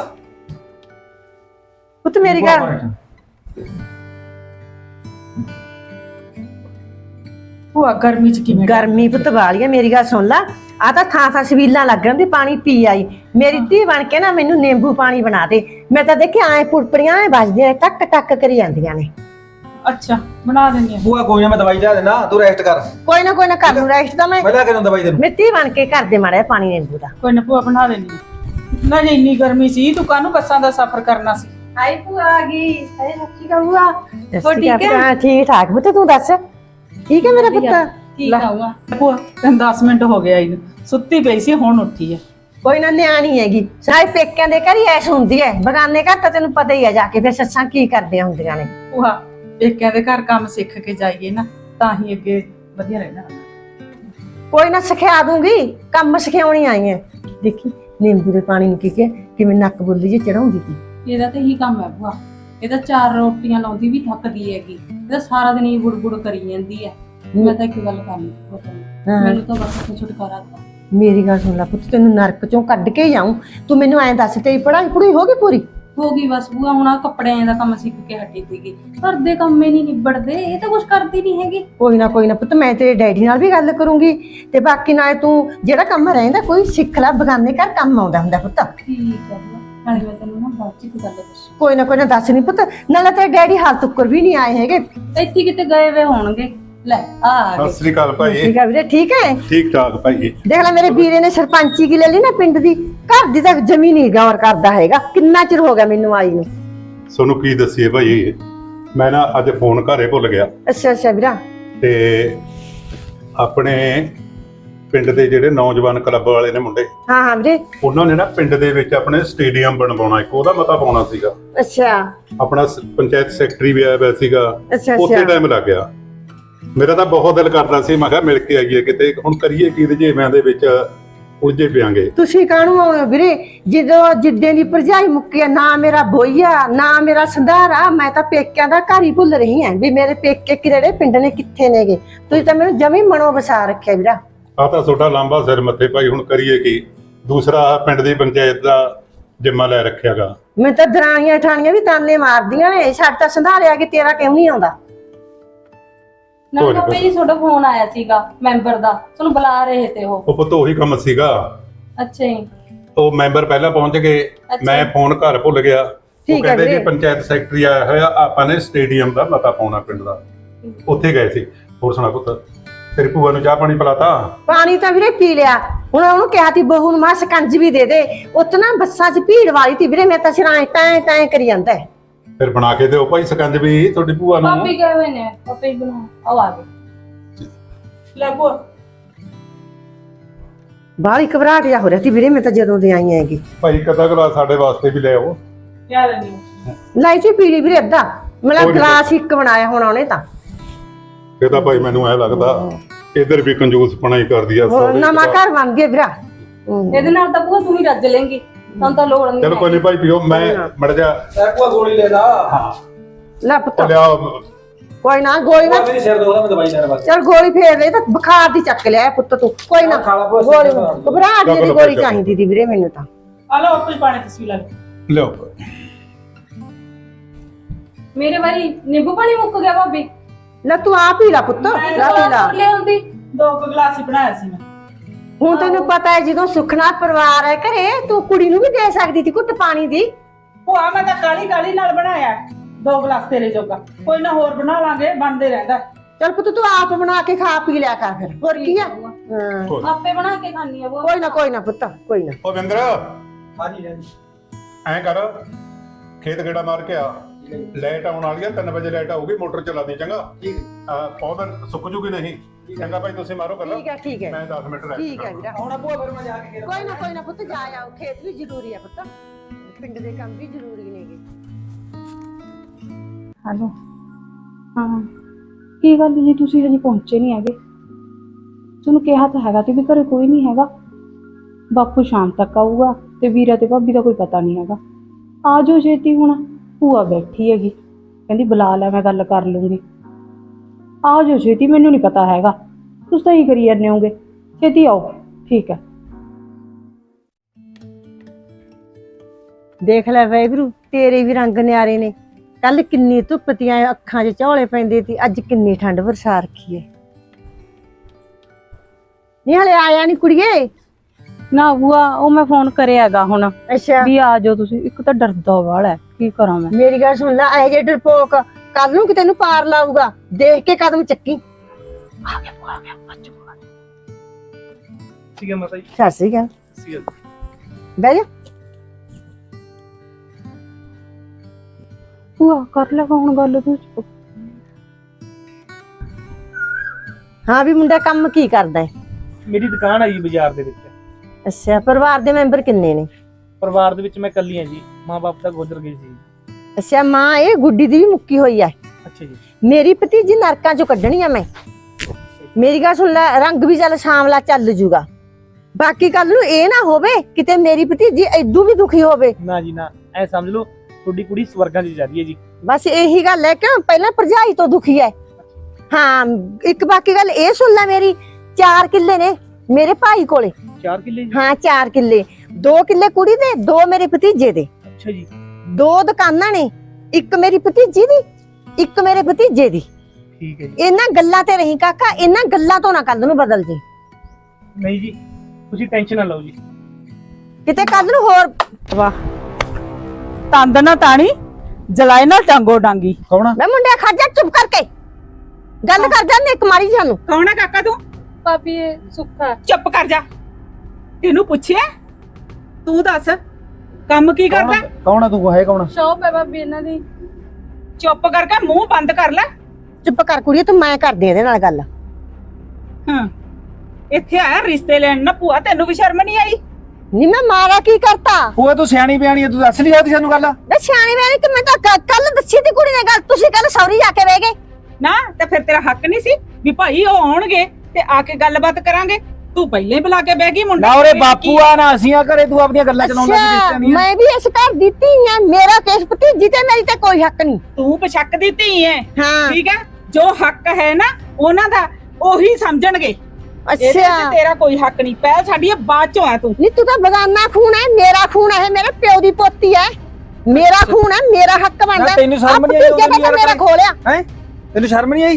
Speaker 4: ਪੁੱਤ ਮੇਰੀ ਗੱਲ
Speaker 1: ਭੂਆ ਗਰਮੀ ਚ ਕਿਵੇਂ
Speaker 4: ਗਰਮੀ ਪੁੱਤ ਵਾਲੀ ਆ, ਮੇਰੀ ਗੱਲ ਸੁਣ ਲਾ। ਆ ਤਾਂ ਥਾਂ ਥਾਂ ਸਵੀਲਾਂ ਲੱਗਣ ਦੀ, ਪਾਣੀ ਪੀ ਆਈ। ਮੇਰੀ ਧੀ ਬਣ ਕੇ ਨਾ ਮੈਨੂੰ ਨਿੰਬੂ ਪਾਣੀ ਬਣਾ ਦੇ। ਮੈਂ ਤਾਂ ਦੇਖਿਆ ਐ ਪੁੜਪੜੀਆਂ ਐ ਵੱਜਦੀਆਂ ਟੱਕ ਟੱਕ ਕਰੀ ਜਾਂਦੀਆਂ ਨੇ।
Speaker 1: ਅੱਛਾ ਬਣਾ ਦਿੰਦੀ ਆ।
Speaker 3: ਭੂਆ ਕੋਈ ਨਾ ਮੈਂ ਦਵਾਈ ਲਿਆ ਦੇਣਾ, ਤੂੰ ਰੈਸਟ ਕਰ।
Speaker 4: ਕੋਈ ਨਾ ਕੋਈ ਨਾ ਕਰ ਲੂ ਰੈਸਟ ਤਾਂ ਮੈਂ।
Speaker 3: ਮੈਂ ਲਿਆ ਕੇ ਦਊਂ ਦਵਾਈ ਤੈਨੂੰ।
Speaker 4: ਮੇਰੀ ਧੀ ਬਣ ਕੇ ਕਰ ਦੇ ਮਾੜਾ ਪਾਣੀ ਨਿੰਬੂ ਦਾ।
Speaker 1: ਕੋਈ ਨਾ ਭੂਆ ਬਣਾ ਦਿੰਦੀ ਆ। ਨਾ ਜੇ ਇੰਨੀ ਗਰਮੀ ਸੀ ਤੂੰ ਕਾਹਨੂੰ ਬੱਸਾਂ ਦਾ ਸਫ਼ਰ ਕਰਨਾ ਸੀ।
Speaker 2: ਹਾਈ ਭੂਆ ਆ ਗਈ। ਹਾਏ ਸੱਚੀ ਕਾ ਭੂਆ ਹੋ ਠੀਕ ਹੈ?
Speaker 4: ਹਾਂ ਠੀਕ ਠਾਕ ਪੁੱਤ, ਤੂੰ ਦੱਸ ਠੀਕ ਹੈ ਮੇਰਾ ਪੁੱਤ?
Speaker 2: ਠੀਕ ਆਊਗਾ।
Speaker 1: ਭੂਆ ਤੈਨੂੰ ਦਸ ਮਿੰਟ ਹੋ ਗਏ ਆਈ ਨੂੰ, ਸੁੱਤੀ ਪਈ ਸੀ ਹੁਣ ਉੱਠੀ ਆ।
Speaker 4: ਕੋਈ ਨਾ ਨਿਆਣੀ ਹੈਗੀ, ਸਾਰੇ ਪੇਕਿਆਂ ਦੇ ਘਰ ਹੀ ਐਸ਼ ਹੁੰਦੀ ਹੈ, ਬਗਾਨੇ ਘਰ ਤਾਂ ਤੈਨੂੰ ਪਤਾ ਹੀ ਹੈ ਜਾ ਕੇ ਫਿਰ ਸੱਸਾਂ ਕੀ ਕਰਦੀਆਂ ਹੁੰਦੀਆਂ ਨੇ।
Speaker 1: ਭੂਆ ਪੇਕਿਆਂ ਦੇ ਘਰ ਕੰਮ ਸਿੱਖ ਕੇ ਜਾਈਏ ਨਾ ਤਾਂ ਹੀ ਅੱਗੇ ਵਧੀਆ ਰਹਿਣਾ।
Speaker 4: ਕੋਈ ਨਾ ਸਿਖਾ ਦੂੰਗੀ, ਕੰਮ ਸਿਖਾਉਣੀ ਆਈ ਹੈ। ਦੇਖੀ ਨਿੰਬੂ ਦੇ ਪਾਣੀ ਨੂੰ ਕੀ ਕਿ ਕਿਵੇਂ ਨੱਕ ਬੁੱਲੀ ਜੇ ਚੜਾਉਂਦੀ ਸੀ।
Speaker 2: ਇਹਦਾ ਤੇ ਹੀ ਕੰਮ ਹੈ ਭੂਆ। ਇਹਦਾ ਚਾਰ ਰੋਟੀਆਂ ਲਾਉਂਦੀ ਵੀ ਥੱਕਦੀ ਹੈਗੀ। ਇਹਦਾ ਸਾਰਾ ਦਿਨ ਹੀ ਬੁੜਬੁੜ ਕਰੀ ਜਾਂਦੀ ਹੈ। ਮੈਂ ਤਾਂ ਇੱਕ ਗੱਲ ਕਰਨੀ
Speaker 4: ਹਾਂ।
Speaker 2: ਮੈਨੂੰ ਤਾਂ ਬਸ ਇੱਥੇ ਛੁਟਕਾਰਾ ਦਿਓ।
Speaker 4: ਮੇਰੀ ਗੱਲ ਸੁਣ ਲੈ ਪੁੱਤ, ਤੈਨੂੰ ਨਰਕ ਚੋਂ ਕੱਢ ਕੇ ਜਾਊਂ। ਤੂੰ ਮੈਨੂੰ ਐਂ ਦੱਸ, ਤੇਰੀ ਪੜ੍ਹਾਈ ਪੜੂਈ ਹੋ ਗਈ ਪੂਰੀ?
Speaker 2: ਹੋ ਗਈ ਬਸ ਭੂਆ। ਹੁਣ ਆ ਕੱਪੜਿਆਂ ਦਾ ਕੰਮ ਸਿੱਖ ਕੇ ਹਟੀ ਸੀਗੀ। ਘਰ ਦੇ ਕੰਮ ਹੀ ਨਹੀਂ ਨਿਬੜਦੇ। ਇਹ ਤਾਂ ਕੁਝ ਕਰਦੀ ਨਹੀਂ ਹੈਗੀ।
Speaker 4: ਕੋਈ ਨਾ ਕੋਈ ਨਾ ਪੁੱਤ, ਮੈਂ ਤੇਰੇ ਡੈਡੀ ਨਾਲ ਵੀ ਗੱਲ ਕਰੂੰਗੀ ਤੇ ਬਾਕੀ ਨਾਲ ਤੂੰ ਜਿਹੜਾ ਕੰਮ ਰਹਿੰਦਾ ਕੋਈ ਸਿੱਖ ਲੈ, ਬਗਾਨੇ ਘਰ ਕੰਮ ਆਉਂਦਾ ਹੁੰਦਾ ਪੁੱਤ।
Speaker 2: ਠੀਕ ਹੈ ਭੂਆ। ਨਾਲੇ ਮੈਂ ਤੈਨੂੰ ਨਾ ਬਾਅਦ ਚ ਇੱਕ ਗੱਲ ਦੱਸੂ।
Speaker 4: ਕੋਈ ਨਾ ਕੋਈ ਨਾ ਦੱਸ ਨਹੀਂ ਪੁੱਤ, ਨਾਲੇ ਤੇਰੇ ਡੈਡੀ ਹਾਲ ਤੁੱਕਰ ਵੀ ਨਹੀਂ ਆਏ ਹੈਗੇ।
Speaker 2: ਇੱਥੇ ਕਿਤੇ ਗਏ ਵੇ ਹੋਣਗੇ। ਲੈ ਆ ਆ
Speaker 5: ਸਤਿ
Speaker 2: ਗਏ।
Speaker 5: ਸ੍ਰੀ ਅਕਾਲ ਭਾਈ।
Speaker 4: ਠੀਕ ਹੈ ਵੀਰੇ, ਠੀਕ ਹੈ।
Speaker 5: ਠੀਕ ਠਾਕ ਭਾਈ।
Speaker 4: ਦੇਖ ਲੈ ਮੇਰੇ ਵੀਰੇ ਨੇ ਸਰਪੰਚੀ ਕੀ ਲੈ ਲਈ ਨਾ ਪਿੰਡ ਦੀ, ਘਰ ਦੀ ਤਾਂ ਜ਼ਮੀਨ ਹੀ ਗੌਰ ਕਰਦਾ ਹੈਗਾ। ਕਿੰਨਾ ਚਿਰ ਹੋ ਗਿਆ ਮੈਨੂੰ ਆਈ ਨੂੰ।
Speaker 5: ਤੁਹਾਨੂੰ ਕੀ ਦੱਸੀਏ ਭਾਈ, ਮੈਂ ਨਾ ਅੱਜ ਫੋਨ ਘਰੇ ਭੁੱਲ ਗਿਆ
Speaker 4: ਅੱਛਾ ਅੱਛਾ ਵੀਰਾ।
Speaker 5: ਤੇ ਆਪਣੇ ਪਿੰਡ ਦੇ ਜਿਹੜੇ ਨੌਜਵਾਨ ਕਲੱਬ ਵਾਲੇ ਨੇ ਮੁੰਡੇ,
Speaker 4: ਹਾਂ ਹਾਂ ਵੀਰੇ।
Speaker 5: ਉਹਨਾਂ ਨੇ ਨਾ ਪਿੰਡ ਦੇ ਵਿੱਚ ਆਪਣੇ ਸਟੇਡੀਅਮ ਬਣਵਾਉਣਾ, ਇੱਕ ਉਹਦਾ ਮਤਾ ਪਾਉਣਾ ਸੀਗਾ।
Speaker 4: ਅੱਛਾ
Speaker 5: ਆਪਣਾ ਸ- ਪੰਚਾਇਤ ਸੈਕਟਰੀ ਵੀ ਆਇਆ ਹੋਇਆ ਸੀਗਾ।
Speaker 4: ਅੱਛਾ
Speaker 5: ਉੱਥੇ
Speaker 4: ਅੱਛਾ।
Speaker 5: ਟਾਈਮ ਲੱਗ ਗਿਆ। ਮੇਰਾ ਤਾਂ ਬਹੁਤ ਦਿਲ ਕਰਦਾ ਸੀ, ਮੈਂ ਕਿਹਾ ਮਿਲ ਕੇ ਆਈਏ ਕਿਤੇ। ਹੁਣ ਕਰੀਏ ਕੀ ਰਜੇਵਿਆਂ ਦੇ ਵਿੱਚ ਉਲਝੇ ਪਿਆਂਗੇ।
Speaker 4: ਤੁਸੀਂ ਕਾਹਨੂੰ ਆਉਣੇ ਹੋ ਵੀਰੇ? ਜਦੋਂ ਜਿੱਦੇ ਦੀ ਭਰਜਾਈ ਮੁੱਕੀ ਆ, ਨਾ ਮੇਰਾ ਬੋਈਆ ਨਾ ਮੇਰਾ ਸੰਧਾਰਾ, ਮੈਂ ਤਾਂ ਪੇਕਿਆਂ ਦਾ ਘਰ ਹੀ ਭੁੱਲ ਰਹੀ ਹਾਂ ਵੀ ਮੇਰੇ ਪੇਕੇ ਕਿਹੜੇ ਪਿੰਡ ਨੇ, ਕਿੱਥੇ ਨੇਗੇ। ਤੁਸੀਂ ਤਾਂ ਮੈਨੂੰ ਜਮੀ ਮਨੋਂ ਵਸਾ ਰੱਖਿਆ ਵੀਰਾ।
Speaker 5: ਆ ਤਾਂ ਤੁਹਾਡਾ ਲਾਂਬਾ ਸਿਰ ਮੱਥੇ ਭਾਈ, ਹੁਣ ਕਰੀਏ ਕੀ। ਦੂਸਰਾ ਪਿੰਡ ਦੀ ਪੰਚਾਇਤ ਦਾ ਜਿੰਮਾ ਲੈ ਰੱਖਿਆਗਾ।
Speaker 4: ਮੈਂ ਤਾਂ ਦਰਾਣੀਆਂ ਠਾਣੀਆਂ ਵੀ ਤਾਨੇ ਮਾਰਦੀਆਂ ਨੇ, ਛੱਡ ਤਾਂ ਸੰਧਾਰਿਆ ਕਿ ਤੇਰਾ ਕਿਉਂ ਨਹੀਂ ਆਉਂਦਾ।
Speaker 2: ਨਾ ਪਾਪੇ ਜੀ ਤੁਹਾਡਾ ਫੋਨ ਆਇਆ ਸੀਗਾ ਮੈਂਬਰ ਦਾ, ਤੁਹਾਨੂੰ ਬੁਲਾ ਰਹੇ ਤੇ ਉਹ।
Speaker 5: ਉਹ ਪੁੱਤ ਉਹੀ ਕੰਮ ਸੀਗਾ।
Speaker 2: ਅੱਛਾ ਜੀ।
Speaker 5: ਉਹ ਮੈਂਬਰ ਪਹਿਲਾਂ ਪਹੁੰਚ ਗਏ,
Speaker 2: ਅੱਛਾ।
Speaker 5: ਮੈਂ ਫੋਨ ਘਰ ਭੁੱਲ ਗਿਆ।
Speaker 4: ਠੀਕ
Speaker 5: ਉਹ
Speaker 4: ਹੈ
Speaker 5: ਕਹਿੰਦੇ ਜੀ
Speaker 4: ਵੀਰੇ।
Speaker 5: ਪੰਚਾਇਤ ਸੈਕਟਰੀ ਆਇਆ ਹੋਇਆ, ਆਪਾਂ ਨੇ ਸਟੇਡੀਅਮ ਦਾ ਮਤਾ ਪਾਉਣਾ ਪਿੰਡ ਦਾ। ਉੱਥੇ ਗਏ ਸੀ। ਹੋਰ ਸੁਣਾ ਪੁੱਤ, ਤੇਰੀ ਭੂਆ ਨੂੰ ਚਾਹ ਪਾਣੀ ਪਿਲਾਤਾ?
Speaker 4: ਪਾਣੀ ਤਾਂ ਵੀਰੇ ਪੀ ਲਿਆ। ਹੁਣ ਉਹਨੂੰ ਕਿਹਾ ਤੀ ਬਹੂ ਨੂੰ ਮਾਂ ਸਕੰਜ ਵੀ ਦੇ ਦੇ। ਉੱਤ ਨਾ ਬੱਸਾਂ 'ਚ ਭੀੜ ਵਾਲੀ ਤੀ ਵੀਰੇ, ਮੈਂ ਤਾਂ ਸਿਰਾਂ ਟੈਂ ਟੈਂ ਕਰੀ ਜਾਂਦਾ ਹੈ।
Speaker 5: ਫਿਰ ਬਣਾ ਕੇ ਦਿਓ ਭਾਈ ਸਕੰਜ ਵੀ ਤੁਹਾਡੀ ਭੂਆ ਨੂੰ।
Speaker 2: ਪਾਪੀ ਗਏ ਹੋਏ ਨੇ, ਪਾਪੇ ਜੀ ਬਣਾ ਆਓ ਆ ਗਏ।
Speaker 1: ਲੈ ਭੂਆ
Speaker 4: ਬਾਹਲੀ ਘਬਰਾਹਟ ਜਾ ਹੋ ਰਹੀ ਸੀ ਵੀਰੇ, ਮੈਂ ਤਾਂ ਜਦੋਂ ਦੇ ਆਈ ਹੈਗੀ।
Speaker 5: ਭਾਈ ਕਦਾ ਗਲਾਸ ਸਾਡੇ ਵਾਸਤੇ ਵੀ ਲੈ ਆਓ।
Speaker 1: ਕਿਆ ਲੈਣੀ
Speaker 4: ਲਾਈ ਚ ਪੀ ਲਈ ਵੀਰੇ ਅੱਧਾ, ਮਤਲਬ
Speaker 5: ਕੋਈ ਨੀ।
Speaker 4: ਗਲਾਸ ਇੱਕ ਬਣਾਇਆ ਹੁਣ ਉਹਨੇ ਤਾਂ।
Speaker 5: ਇਹ ਤਾਂ ਭਾਈ ਮੈਨੂੰ ਐ ਲੱਗਦਾ ਇਧਰ ਵੀ ਕੰਜੂਸ ਪਣਾਈ ਕਰਦੀ ਆ।
Speaker 4: ਹੁਣ
Speaker 5: ਸਹੁਰੇ
Speaker 4: ਨਵਾਂ
Speaker 5: ਚ।
Speaker 4: ਘਰ ਬਣ ਗਿਆ ਵੀਰਾ। ਹੂੰ।
Speaker 2: ਇਹਦੇ ਨਾਲ ਤਾਂ ਭੂਆ ਤੂੰ ਹੀ ਰੱਜ ਲੇਂਗੀ, ਤੁਹਾਨੂੰ ਤਾਂ ਲੋੜ ਨਹੀਂ
Speaker 5: ਚਲੋ ਕੋਈ ਨਹੀਂ ਭਾਈ ਪੀਓ, ਮੈਂ ਮੜ ਜਾ।
Speaker 3: ਐ ਭੂਆ ਗੋਲੀ ਲੈ ਲਾ।
Speaker 5: ਹਾਂ
Speaker 4: ਲੈ ਪੁੱਤ
Speaker 5: ਲਿਆਓ।
Speaker 4: ਕੋਈ ਨਾ, ਗੋਲੀ ਨਾ।
Speaker 3: ਭੂਆ ਮੇਰੇ ਸਿਰ ਦੁਖਦਾ, ਮੈਂ ਦਵਾਈ ਲੈਣ ਵਾਸਤੇ।
Speaker 4: ਚਲ ਗੋਲੀ ਫੇਰ ਲੈ, ਤਾਂ ਬੁਖਾਰ ਦੀ ਚੱਕ ਲਿਆ ਪੁੱਤ ਤੂੰ। ਕੋਈ ਨਾ
Speaker 3: ਹਾਂ, ਖਾ ਲਾ ਭੂਆ,
Speaker 4: ਗੋਲੀ,
Speaker 3: ਸਿਰ ਦੁਖਦਾ।
Speaker 4: ਘਬਰਾਹਟ ਦੀ
Speaker 5: ਚਲੋ,
Speaker 4: ਗੋਲੀ
Speaker 5: ਚਲੋ।
Speaker 4: ਚਾਹੀਦੀ ਦੀ ਵੀਰੇ ਮੈਨੂੰ ਤਾਂ।
Speaker 1: ਆ ਲਓ ਆਪੇ ਪਾਣੀ ਤੁਸੀਂ ਲੈ ਲਓ।
Speaker 5: ਲਿਆਓ।
Speaker 2: ਮੇਰੇ ਵਾਰੀ ਨਿੰਬੂ ਪਾਣੀ ਮੁੱਕ ਗਿਆ ਭਾਬੀ।
Speaker 4: ਲੈ ਤੂੰ ਆਪ ਹੀ ਲਾ ਪੁੱਤ, ਲੈ ਪੀ ਲਾ।
Speaker 2: ਲਿਆਉਂਦੀ।
Speaker 1: ਦੋ ਕੁ ਗਲਾਸ ਹੀ ਬਣਾਇਆ ਸੀ ਮੈਂ।
Speaker 4: ਹੁਣ ਤੈਨੂੰ ਪਤਾ ਹੈ ਜਦੋਂ ਸੁਖਨਾ ਪਰਿਵਾਰ ਹੈ ਘਰੇ, ਤੂੰ ਕੁੜੀ ਨੂੰ ਵੀ ਦੇ ਸਕਦੀ ਸੀ ਘੁੱਟ ਪਾਣੀ ਦੀ।
Speaker 1: ਭੂਆ ਮੈਂ ਤਾਂ ਕਾਲੀ ਕਾਲੀ ਨਾਲ ਬਣਾਇਆ ਦੋ ਗਲਾਸ ਤੇਰੇ ਜੋਗਾ। ਕੋਈ ਨਾ ਹੋਰ ਬਣਾ ਲਾਂਗੇ, ਬਣਦੇ ਰਹਿੰਦਾ।
Speaker 4: ਚਲ ਪੁੱਤ ਤੂੰ ਆਪ ਬਣਾ ਕੇ ਖਾ ਪੀ ਲਿਆ ਕਰ ਫਿਰ, ਹੋਰ ਕੀ ਆ। ਹਾਂ
Speaker 5: ਹੋਰ।
Speaker 2: ਆਪੇ ਬਣਾ ਕੇ ਖਾਣੀ ਆ ਭੂਆ।
Speaker 4: ਕੋਈ ਨਾ ਕੋਈ ਨਾ ਪੁੱਤ, ਕੋਈ ਨਾ।
Speaker 5: ਓ ਵਿੰਦਰ
Speaker 3: ਹਾਂਜੀ ਹਾਂਜੀ
Speaker 5: ਐਂ ਕਰ, ਖੇਤ ਗੇੜਾ ਮਾਰ ਕੇ ਆ। ਲਾਈਟ ਆਉਣ ਵਾਲੀ ਆ, ਤਿੰਨ ਵਜੇ ਲਾਈਟ ਆਊਗੀ, ਮੋਟਰ ਚਲਾ ਦੇ ਚੰਗਾ।
Speaker 3: ਠੀਕ
Speaker 5: ਆ ਪੌਦਾ ਸੁੱਕ ਜੂਗੀ ਨਹੀਂ। ਚੰਗਾ ਭਾਈ ਤੁਸੀਂ ਮਾਰੋ ਗੱਲਾਂ,
Speaker 4: ਠੀਕ ਹੈ ਠੀਕ ਹੈ
Speaker 5: ਮੈਂ ਦਸ ਮਿੰਟ ਰਹਿ
Speaker 4: ਠੀਕ ਹੈ ਵੀਰਾ।
Speaker 3: ਹੁਣ ਭੂਆ ਫਿਰ ਮੈਂ ਜਾ ਕੇ
Speaker 4: ਕੋਈ ਨਾ ਕੋਈ ਨਾ ਪੁੱਤ, ਜਾ ਆਓ, ਖੇਤ ਵੀ ਜ਼ਰੂਰੀ ਹੈ ਪੁੱਤ, ਪਿੰਡ ਦੇ ਕੰਮ ਵੀ ਜ਼ਰੂਰੀ ਨੇਗੇ।
Speaker 2: ਹੈਲੋ। ਹਾਂ ਕੀ ਗੱਲ ਜੀ, ਤੁਸੀਂ ਹਜੇ ਪਹੁੰਚੇ ਨਹੀਂ ਹੈਗੇ? ਤੁਹਾਨੂੰ ਕਿਹਾ ਤਾਂ ਹੈਗਾ ਤੇ ਵੀ ਘਰੇ ਕੋਈ ਨਹੀਂ ਹੈਗਾ। ਬਾਪੂ ਸ਼ਾਮ ਤੱਕ ਆਊਗਾ ਤੇ ਵੀਰਾ ਤੇ ਭਾਬੀ ਦਾ ਕੋਈ ਪਤਾ ਨਹੀਂ ਹੈਗਾ। ਆ ਜਾਓ ਛੇਤੀ, ਹੁਣ ਭੂਆ ਬੈਠੀ ਹੈਗੀ, ਕਹਿੰਦੀ ਬੁਲਾ ਲੈ ਮੈਂ ਗੱਲ ਕਰ ਲੂੰਗੀ। ਆ ਜਾਓ ਛੇਤੀ, ਮੈਨੂੰ ਨਹੀਂ ਪਤਾ ਹੈਗਾ, ਤੁਸੀਂ ਤਾਂ ਹੀ ਕਰੀ ਜਾਂਦੇ ਹੋਗੇ। ਛੇਤੀ ਆਓ। ਠੀਕ ਹੈ।
Speaker 4: ਦੇਖ ਲੈ ਵੈਗਰੂ, ਤੇਰੇ ਵੀ ਰੰਗ ਨਿਆਰੇ ਨੇ। ਕੱਲ ਕਿੰਨੀ ਧੁੱਪ ਤੀਆਂ ਅੱਖਾਂ 'ਚ ਝੋਲੇ ਪੈਂਦੇ ਸੀ, ਅੱਜ ਕਿੰਨੀ ਠੰਡ ਵਰਸਾ ਰੱਖੀ ਏ। ਨਹੀਂ ਹਲੇ ਆਇਆ ਨਹੀਂ ਕੁੜੀਏ।
Speaker 2: ਨਾ ਬੂਆ ਉਹ ਮੈਂ ਫੋਨ ਕਰਿਆ ਹੈਗਾ ਹੁਣ
Speaker 4: ਅੱਛਾ
Speaker 2: ਵੀ ਆ ਜਾਓ ਤੁਸੀਂ। ਇੱਕ ਤਾਂ ਡਰਦਾ ਵਾਲਾ ਹੈ, ਕੀ ਕਰਾਂ ਮੈਂ।
Speaker 4: ਮੇਰੀ ਗੱਲ ਸੁਣ ਲੈ, ਇਹ ਜੇ ਡਰਪੋਕ ਕੱਲ ਨੂੰ ਕਿਤੇ ਨੂੰ ਪਾਰ ਲਾਊਗਾ, ਦੇਖ ਕੇ ਕਦਮ ਚੱਕੀ।
Speaker 2: ਆ ਗਿਆ ਬੂਆ, ਆ ਗਿਆ ਬੱਚੂ।
Speaker 6: ਠੀਕ ਹੈ ਮਾਤਾ ਜੀ।
Speaker 4: ਸਤਿ ਸ੍ਰੀ ਅਕਾਲ।
Speaker 6: ਸਹੀ ਹੈ।
Speaker 4: ਬਹਿ ਜਾ।
Speaker 2: ਬੂਆ ਕਰ ਲੈ ਹੁਣ ਗੱਲ ਤੂੰ।
Speaker 4: ਹਾਂ ਵੀ ਮੁੰਡਾ ਕੰਮ ਕੀ ਕਰਦਾ ਹੈ?
Speaker 6: ਮੇਰੀ ਦੁਕਾਨ ਆ ਜੀ ਬਾਜ਼ਾਰ ਦੇ ਵਿੱਚ।
Speaker 4: ਅੱਛਾ, ਪਰਿਵਾਰ ਦੇ ਮੈਂਬਰ ਕਿੰਨੇ ਨੇ?
Speaker 6: ਪਰਿਵਾਰ ਦੇ ਵਿੱਚ ਮੈਂ ਇਕੱਲੀ ਆ ਜੀ, ਮਾਂ-ਬਾਪ ਤਾਂ ਗੁਜ਼ਰ ਗਏ ਸੀ।
Speaker 4: ਅੱਛਾ, ਮਾਂ ਇਹ ਗੁੱਡੀ ਦੀ ਵੀ ਮੁੱਕੀ ਹੋਈ ਹੈ।
Speaker 6: ਅੱਛਾ ਜੀ।
Speaker 4: ਮੇਰੀ ਭਤੀਜੀ ਨਰਕਾਂ ਚੋਂ ਕੱਢਣੀ ਆ ਮੈਂ। ਮੇਰੀ ਗੱਲ ਸੁਣ ਲੈ, ਰੰਗ ਵੀ ਚੱਲ ਸ਼ਾਮਲਾ ਚੱਲ ਜੂਗਾ। ਬਾਕੀ ਕੱਲ ਨੂੰ ਇਹ ਨਾ ਹੋਵੇ ਕਿਤੇ ਮੇਰੀ ਭਤੀਜੀ ਐਦੂ ਵੀ ਦੁਖੀ ਹੋਵੇ।
Speaker 6: ਨਾ ਜੀ ਨਾ, ਐ ਸਮਝ ਲਓ ਤੁਹਾਡੀ ਕੁੜੀ ਸਵਰਗਾਂ 'ਚ ਜਾ ਰਹੀ ਹੈ ਜੀ।
Speaker 4: ਬਸ ਇਹੀ ਗੱਲ ਹੈ, ਕਿਉਂ ਪਹਿਲਾਂ ਭਰਜਾਈ ਤੋਂ ਦੁਖੀ ਹੈ। ਹਾਂ, ਇੱਕ ਬਾਕੀ ਗੱਲ ਇਹ ਸੁਣ ਲੈ, ਮੇਰੀ ਚਾਰ ਕਿੱਲੇ ਨੇ ਮੇਰੇ ਭਾਈ ਕੋਲੇ।
Speaker 6: ਚਾਰ ਕਿੱਲੇ ਜੀ?
Speaker 4: ਹਾਂ ਚਾਰ ਕਿੱਲੇ, ਦੋ ਕਿੱਲੇ ਕੁੜੀ ਦੇ, ਦੋ ਮੇਰੇ ਭਤੀਜੇ ਦੇ।
Speaker 6: ਅੱਛਾ ਜੀ।
Speaker 4: ਦੋ ਦੁਕਾਨਾਂ ਨੇ, ਇੱਕ ਮੇਰੀ ਭਤੀਜੀ ਦੀ, ਇੱਕ ਮੇਰੇ ਭਤੀਜੇ ਦੀ।
Speaker 6: ਠੀਕ ਹੈ ਜੀ।
Speaker 4: ਇਹਨਾਂ ਗੱਲਾਂ ਤੇ ਰਹੀ ਕਾਕਾ, ਇਹਨਾਂ ਗੱਲਾਂ ਤੋਂ ਨਾ ਕੱਲ ਨੂੰ ਬਦਲ ਜੇ।
Speaker 6: ਨਹੀਂ ਜੀ, ਤੁਸੀਂ ਟੈਨਸ਼ਨ ਨਾ ਲਓ ਜੀ।
Speaker 4: ਕਿਤੇ ਕੱਲ ਨੂੰ ਹੋਰ
Speaker 1: ਵਾਹ, ਤੰਦ ਨਾ ਤਾਣੀ ਜਲਾਏ ਨਾ ਟਾਂਗੋ ਡਾਂਗੀ।
Speaker 3: ਕੌਣ ਆ?
Speaker 4: ਮੈਂ ਮੁੰਡਿਆ ਖੜ ਜਾ, ਚੁੱਪ ਕਰਕੇ ਗੱਲ ਕਰ ਜਾਂਦੇ ਇੱਕ ਮਾਰੀ ਸਾਨੂੰ।
Speaker 1: ਕੌਣ ਹੈ ਕਾਕਾ ਤੂੰ?
Speaker 2: ਭਾਬੀ ਇਹ ਸੁੱਖਾ।
Speaker 1: ਚੁੱਪ ਕਰ ਜਾ। ਤੈਨੂੰ ਪੁੱਛਿਆ? ਤੂੰ ਦੱਸ ਕੰਮ ਕੀ ਕਰਦਾ?
Speaker 3: ਕੌਣ ਆ ਤੂੰ? ਹੈ ਕੌਣ?
Speaker 2: ਸ਼ੌਪ ਹੈ ਭਾਬੀ ਇਹਨਾਂ ਦੀ।
Speaker 1: ਚੁੱਪ ਕਰਕੇ ਮੂੰਹ ਬੰਦ ਕਰ ਲੈ।
Speaker 4: ਚੁੱਪ ਕਰ ਕੁੜੀਏ, ਤੂੰ ਮੈਂ ਕਰਦੀ ਇਹਦੇ ਨਾਲ ਗੱਲ।
Speaker 1: ਹਾਂ, ਇੱਥੇ ਆਇਆ ਰਿਸ਼ਤੇ ਲੈਣ ਨਾ ਭੂਆ, ਤੈਨੂੰ ਵੀ ਸ਼ਰਮ ਨਹੀਂ ਆਈ?
Speaker 4: ਨੀ ਮੈਂ ਮਾਰਾ ਕੀ ਕਰਤਾ?
Speaker 3: ਉਹ ਤੂੰ ਸਿਆਣੀ ਬਿਆਣੀ ਆ, ਤੂੰ ਦੱਸ ਨਹੀਂ ਸਕਦੀ ਸਾਨੂੰ ਗੱਲ।
Speaker 4: ਮੈਂ ਸਿਆਣੀ ਮੈਂ ਕਿ ਮੈਂ ਤਾਂ ਕੱਲ ਦੱਸੀ ਤੀ ਕੁੜੀ ਨੇ ਗੱਲ, ਤੁਸੀਂ ਕੱਲ ਸੌਰੀ ਜਾ ਕੇ ਬਹਿ ਗਏ।
Speaker 1: ਨਾ ਤੇ ਫਿਰ ਤੇਰਾ ਹੱਕ ਨਹੀਂ ਸੀ ਵੀ ਭਾਈ ਉਹ ਆਉਣਗੇ ਤੇ ਆ ਕੇ ਗੱਲਬਾਤ ਕਰਾਂਗੇ? ਤੂੰ ਪਹਿਲੇ ਹੀ ਬੁਲਾ ਕੇ ਬਹਿ ਗਈ ਮੁੰਡਾ।
Speaker 3: ਨਾ ਉਹਰੇ ਬਾਪੂ ਆ ਨਾ ਅਸੀਂ ਆ ਘਰੇ, ਤੂੰ ਆਪਣੀਆਂ ਗੱਲਾਂ ਚਲਾਉਂਦਾ ਸੀ
Speaker 4: ਅੱਛਾ,
Speaker 3: ਰਿਸ਼ਤਿਆਂ ਦੀਆਂ।
Speaker 4: ਮੈਂ ਵੀ ਇਸ ਘਰ ਦਿੱਤੀ ਆ, ਮੇਰਾ ਕੇਸ ਭਤੀਜੀ ਤੇ ਮੇਰੀ ਤੇ ਕੋਈ ਹੱਕ ਨਹੀਂ।
Speaker 1: ਤੂੰ ਪਛਕ ਦੀ ਧੀ ਹੈ,
Speaker 4: ਹਾਂ
Speaker 1: ਠੀਕ ਹੈ? ਜੋ ਹੱਕ ਹੈ ਨਾ ਉਹਨਾਂ ਦਾ ਉਹੀ ਸਮਝਣਗੇ। ਇਹਦੇ
Speaker 4: ਅੱਛਾ,
Speaker 1: ਵਿੱਚ ਤੇਰਾ ਕੋਈ ਹੱਕ ਨਹੀਂ। ਪਹਿਲ ਸਾਡੀ ਇਹ ਬਾਅਦ ਚੋਂ ਆ ਤੂੰ।
Speaker 4: ਨੀ ਤੂੰ ਤਾਂ ਬਗਾਨਾ ਖੂਨ ਹੈ, ਮੇਰਾ ਖੂਨ ਹੈ, ਮੇਰੇ ਪਿਓ ਦੀ ਪੋਤੀ ਹੈ, ਮੇਰਾ ਖੂਨ ਹੈ, ਮੇਰਾ ਹੱਕ ਬਣਦਾ।
Speaker 3: ਨਾ ਤੈਨੂੰ ਸ਼ਰਮ ਨਹੀਂ ਆਈ
Speaker 4: ਭਤੀਜੇ ਨੇ ਤਾਂ ਮੇਰਾ ਖੋਲਿਆ।
Speaker 3: ਹੈ ਤੈਨੂੰ ਸ਼ਰਮ ਨਹੀਂ ਆਈ?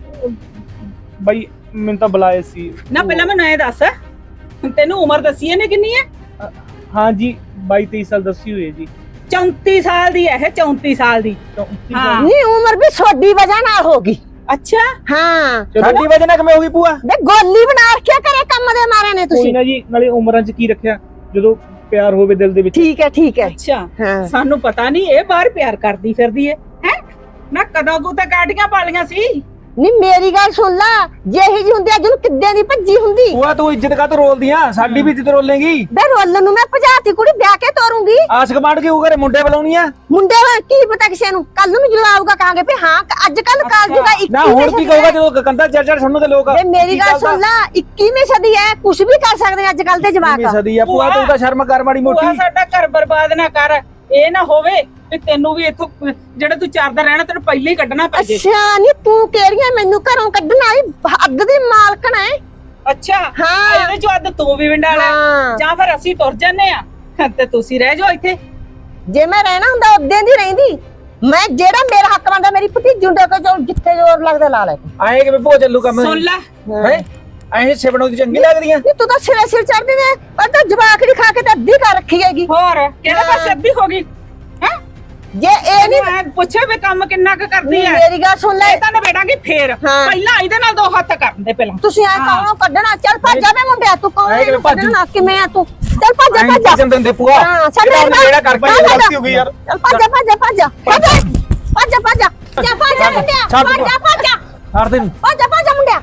Speaker 6: ਬਾਈ ਮੈਨੂੰ ਤਾਂ ਬੁਲਾਏ ਸੀ।
Speaker 1: ਨਾ ਪਹਿਲਾਂ ਮੈਨੂੰ ਇਹ ਦੱਸ, ਤੈਨੂੰ ਉਮਰ ਦੱਸੀ ਇਹਨੇ ਕਿੰਨੀ ਹੈ?
Speaker 6: ਹਾਂ ਜੀ, ਬਾਈ ਤੇਈ ਸਾਲ ਦੱਸੀ ਹੋਈ ਹੈ ਜੀ।
Speaker 1: ਚੌਂਤੀ ਸਾਲ ਦੀ ਹੈ ਇਹ, ਚੌਂਤੀ ਸਾਲ ਦੀ।
Speaker 6: ਚੌਂਤੀ
Speaker 1: ਹਾਂ।
Speaker 6: ਸਾਲ।
Speaker 4: ਨੀ ਉਮਰ ਵੀ ਛੋਡੀ ਵਜ੍ਹਾ ਨਾਲ ਹੋ ਗਈ।
Speaker 1: ਅੱਛਾ,
Speaker 4: ਹਾਂ
Speaker 3: ਸਾਡੀ ਵਜ੍ਹਾ ਨਾਲ ਕਿਵੇਂ ਹੋ ਗਈ ਭੂਆ?
Speaker 4: ਵੇ ਗੋਲੀ ਬਣਾ ਰੱਖਿਆ ਕਰੇ ਕੰਮ ਦੇ ਮਾਰੇ ਨੇ
Speaker 6: ਕੋਈ
Speaker 4: ਤੁਸੀਂ।
Speaker 6: ਨਾ ਜੀ, ਨਾਲੇ ਉਮਰਾਂ 'ਚ ਕੀ ਰੱਖਿਆ, ਜਦੋਂ ਪਿਆਰ ਹੋਵੇ ਦਿਲ ਦੇ ਵਿੱਚ।
Speaker 4: ਠੀਕ ਹੈ ਠੀਕ ਹੈ।
Speaker 1: ਅੱਛਾ,
Speaker 4: ਹਾਂ
Speaker 1: ਸਾਨੂੰ ਪਤਾ ਨਹੀਂ ਇਹ ਬਾਹਰ ਪਿਆਰ ਕਰਦੀ ਫਿਰਦੀ ਹੈ। ਹੈ ਨਾ ਕਦੋਂ ਕੋ ਤਾਂ ਕਾਟੀਆਂ ਪਾਲੀਆਂ ਸੀ।
Speaker 4: ਨੀ ਮੇਰੀ ਗੱਲ ਸੁਣ ਲਾ, ਜਿਹੀ ਜੀ ਹੁੰਦੀ ਅੱਜ ਨੂੰ ਕਿੱਦਾਂ ਦੀ ਭੱਜੀ ਹੁੰਦੀ।
Speaker 3: ਭੂਆ ਤੂੰ ਇੱਜ਼ਤ ਕਾਹਤੋਂ ਰੋਲਦੀ ਆ? ਸਾਡੀ ਵੀ ਇੱਜ਼ਤ ਰੋਲੇਗੀ।
Speaker 4: ਬੇ ਰੋਲਣ ਨੂੰ ਮੈਂ ਭਜਾਤੀ ਕੁੜੀ ਵਿਆਹ ਕੇ ਤੋਰੂੰਗੀ।
Speaker 3: ਆਸ ਕਮਾਂਡ ਕੇ ਉਹ ਘਰੇ ਮੁੰਡੇ ਬੁਲਾਉਣੀ ਆ।
Speaker 4: ਮੁੰਡੇ ਵਾ ਕੀ ਪਤਾ ਕਿਸੇ ਨੂੰ, ਕੱਲ ਨੂੰ ਜਦੋਂ ਆਊਗਾ ਕਹਾਂਗੇ ਵੀ ਹਾਂ ਅੱਜ ਕੱਲ ਕਾਲ ਜੂਗਾ ਇੱਕੀ
Speaker 3: ਨਾ ਹੁਣ ਕੀ ਕਹੂਗਾ ਜਦੋਂ ਕੰਦਾ ਚੜ ਚੜ ਸੁਣਨ ਦੇ ਲੋਕ?
Speaker 4: ਬੇ ਮੇਰੀ ਗੱਲ ਸੁਣ ਲਾ, ਇੱਕੀਵੀਂ ਸਦੀ ਹੈ, ਕੁਝ ਵੀ ਕਰ ਸਕਦੇ ਅੱਜ ਕੱਲ ਦੇ ਜਵਾਕ।
Speaker 3: ਸਦੀ ਆ ਭੂਆ, ਤੂੰ ਤਾਂ ਸ਼ਰਮ ਕਰ ਮਾੜੀ
Speaker 1: ਭੂਆ
Speaker 3: ਮੋਟੀ।
Speaker 1: ਸਾਡਾ ਘਰ ਬਰਬਾਦ ਨਾ ਕਰ। ਇਹ ਨਾ ਹੋਵੇ ਵੀ ਤੈਨੂੰ ਵੀ ਇੱਥੋਂ ਜਿਹੜਾ ਤੂੰ ਚਾਰਦਾ ਰਹਿਣਾ ਤੈਨੂੰ ਪਹਿਲੇ ਹੀ ਕੱਢਣਾ ਪੈ ਜੇ।
Speaker 4: ਅੱਛਾ, ਨੀ ਤੂੰ ਕਿਹੜੀਆਂ ਮੈਨੂੰ ਘਰੋਂ ਕੱਢਣ ਵਾਲੀ ਹੱਦ ਦੀ ਮਾਲਕਣ ਹੈ।
Speaker 1: ਅੱਛਾ,
Speaker 4: ਹਾਂ।
Speaker 1: ਇਹਦੇ ਚੋਂ ਅੱਧ ਤੂੰ ਵੀ ਵਿੰਡਾਲਾ
Speaker 4: ਹਾਂ।
Speaker 1: ਜਾਂ ਫਿਰ ਅਸੀਂ ਤੁਰ ਜੰਨੇ ਆ ਤੇ ਤੁਸੀਂ ਰਹਿ ਜਾਓ ਇੱਥੇ।
Speaker 4: ਜੇ ਮੈਂ ਰਹਿਣਾ ਹੁੰਦਾ ਉਦੋਂ ਦੀ ਰਹਿੰਦੀ। ਮੈਂ ਜਿਹੜਾ ਮੇਰਾ ਹੱਕ ਬਣਦਾ ਮੇਰੀ ਭਤੀਜੀ ਹੁੰਦੇ ਕੋ ਜਿੱਥੇ ਜ਼ੋਰ ਲੱਗਦਾ ਲਾ ਲੈ।
Speaker 3: ਆਏ ਕਿਵੇਂ ਭੂਆ ਚੱਲੂ ਕੰਮ?
Speaker 1: ਸੁਣ ਲੈ,
Speaker 3: ਹੈ ਐਂ ਸਿਵਣੋਂ ਦੀ ਚੰਗੀ ਲੱਗਦੀਆਂ।
Speaker 4: ਨੀ ਤੂੰ ਤਾਂ ਸਿਰੇ ਸਿਰ ਚੜਦੀ ਨੇ, ਪਰ ਤਾਂ ਜਵਾਕ ਦੀ ਖਾ ਕੇ ਤਾਂ ਅੱਧੀ ਕਰ ਰੱਖੀ ਹੈਗੀ।
Speaker 1: ਹੋਰ ਕਿਹੜੇ ਪਾਸੇ ਅੱਧੀ ਹੋ ਗਈ ਹੈ?
Speaker 4: ਜੇ ਇਹ ਨਹੀਂ
Speaker 1: ਮੈਂ ਪੁੱਛਿਆ ਵੀ ਕੰਮ ਕਿੰਨਾ ਕੁ ਕਰਦੀ ਹੈ?
Speaker 4: ਮੇਰੀ ਗੱਲ ਸੁਣ ਲੈ,
Speaker 1: ਇਹ ਤਾਂ ਨਵੇੜਾਂਗੀ ਫੇਰ।
Speaker 4: ਹਾਂ।
Speaker 1: ਪਹਿਲਾਂ ਇਹਦੇ ਨਾਲ ਦੋ ਹੱਥ ਕਰਨ ਦੇ ਪਹਿਲਾਂ।
Speaker 4: ਤੁਸੀਂ ਐ ਕਹੋ ਕੱਢਣਾ, ਚੱਲ ਭੱਜ ਜਾ ਵੇ ਮੁੰਡਿਆ, ਤੂੰ ਕਹੋ
Speaker 3: ਐਂ ਕਿਵੇਂ ਭੱਜ?
Speaker 4: ਕੱਢਣਾ ਕਿਵੇਂ ਆ ਤੂੰ? ਚੱਲ ਭੱਜ ਜਾ ਭੱਜ ਜਾ।
Speaker 3: ਕਿੰਨ ਦਿੰਦੇ ਭੂਆ?
Speaker 4: ਹਾਂ, ਸਾਡੇ
Speaker 3: ਜਿਹੜਾ
Speaker 4: ਨਾਲ-
Speaker 3: ਜਿਹੜਾ ਕਰ ਭਾਈ ਗਲਤੀ ਹੋ ਗਈ ਯਾਰ।
Speaker 4: ਚੱਲ ਭੱਜ ਜਾ ਭੱਜ ਜਾ ਭੱਜ ਜਾ ਭੱਜ ਜਾ ਭੱਜ ਜਾ ਭੱਜ ਜਾ ਜਾ ਭੱਜ ਜਾ ਮੁੰਡਿਆ,
Speaker 3: ਛੱਡ
Speaker 4: ਭੱਜ ਜਾ ਭੱਜ ਜਾ
Speaker 3: ਹਰ ਦਿਨ
Speaker 4: ਭੱਜ ਜਾ ਭੱਜ ਜਾ ਮੁੰਡਿਆ।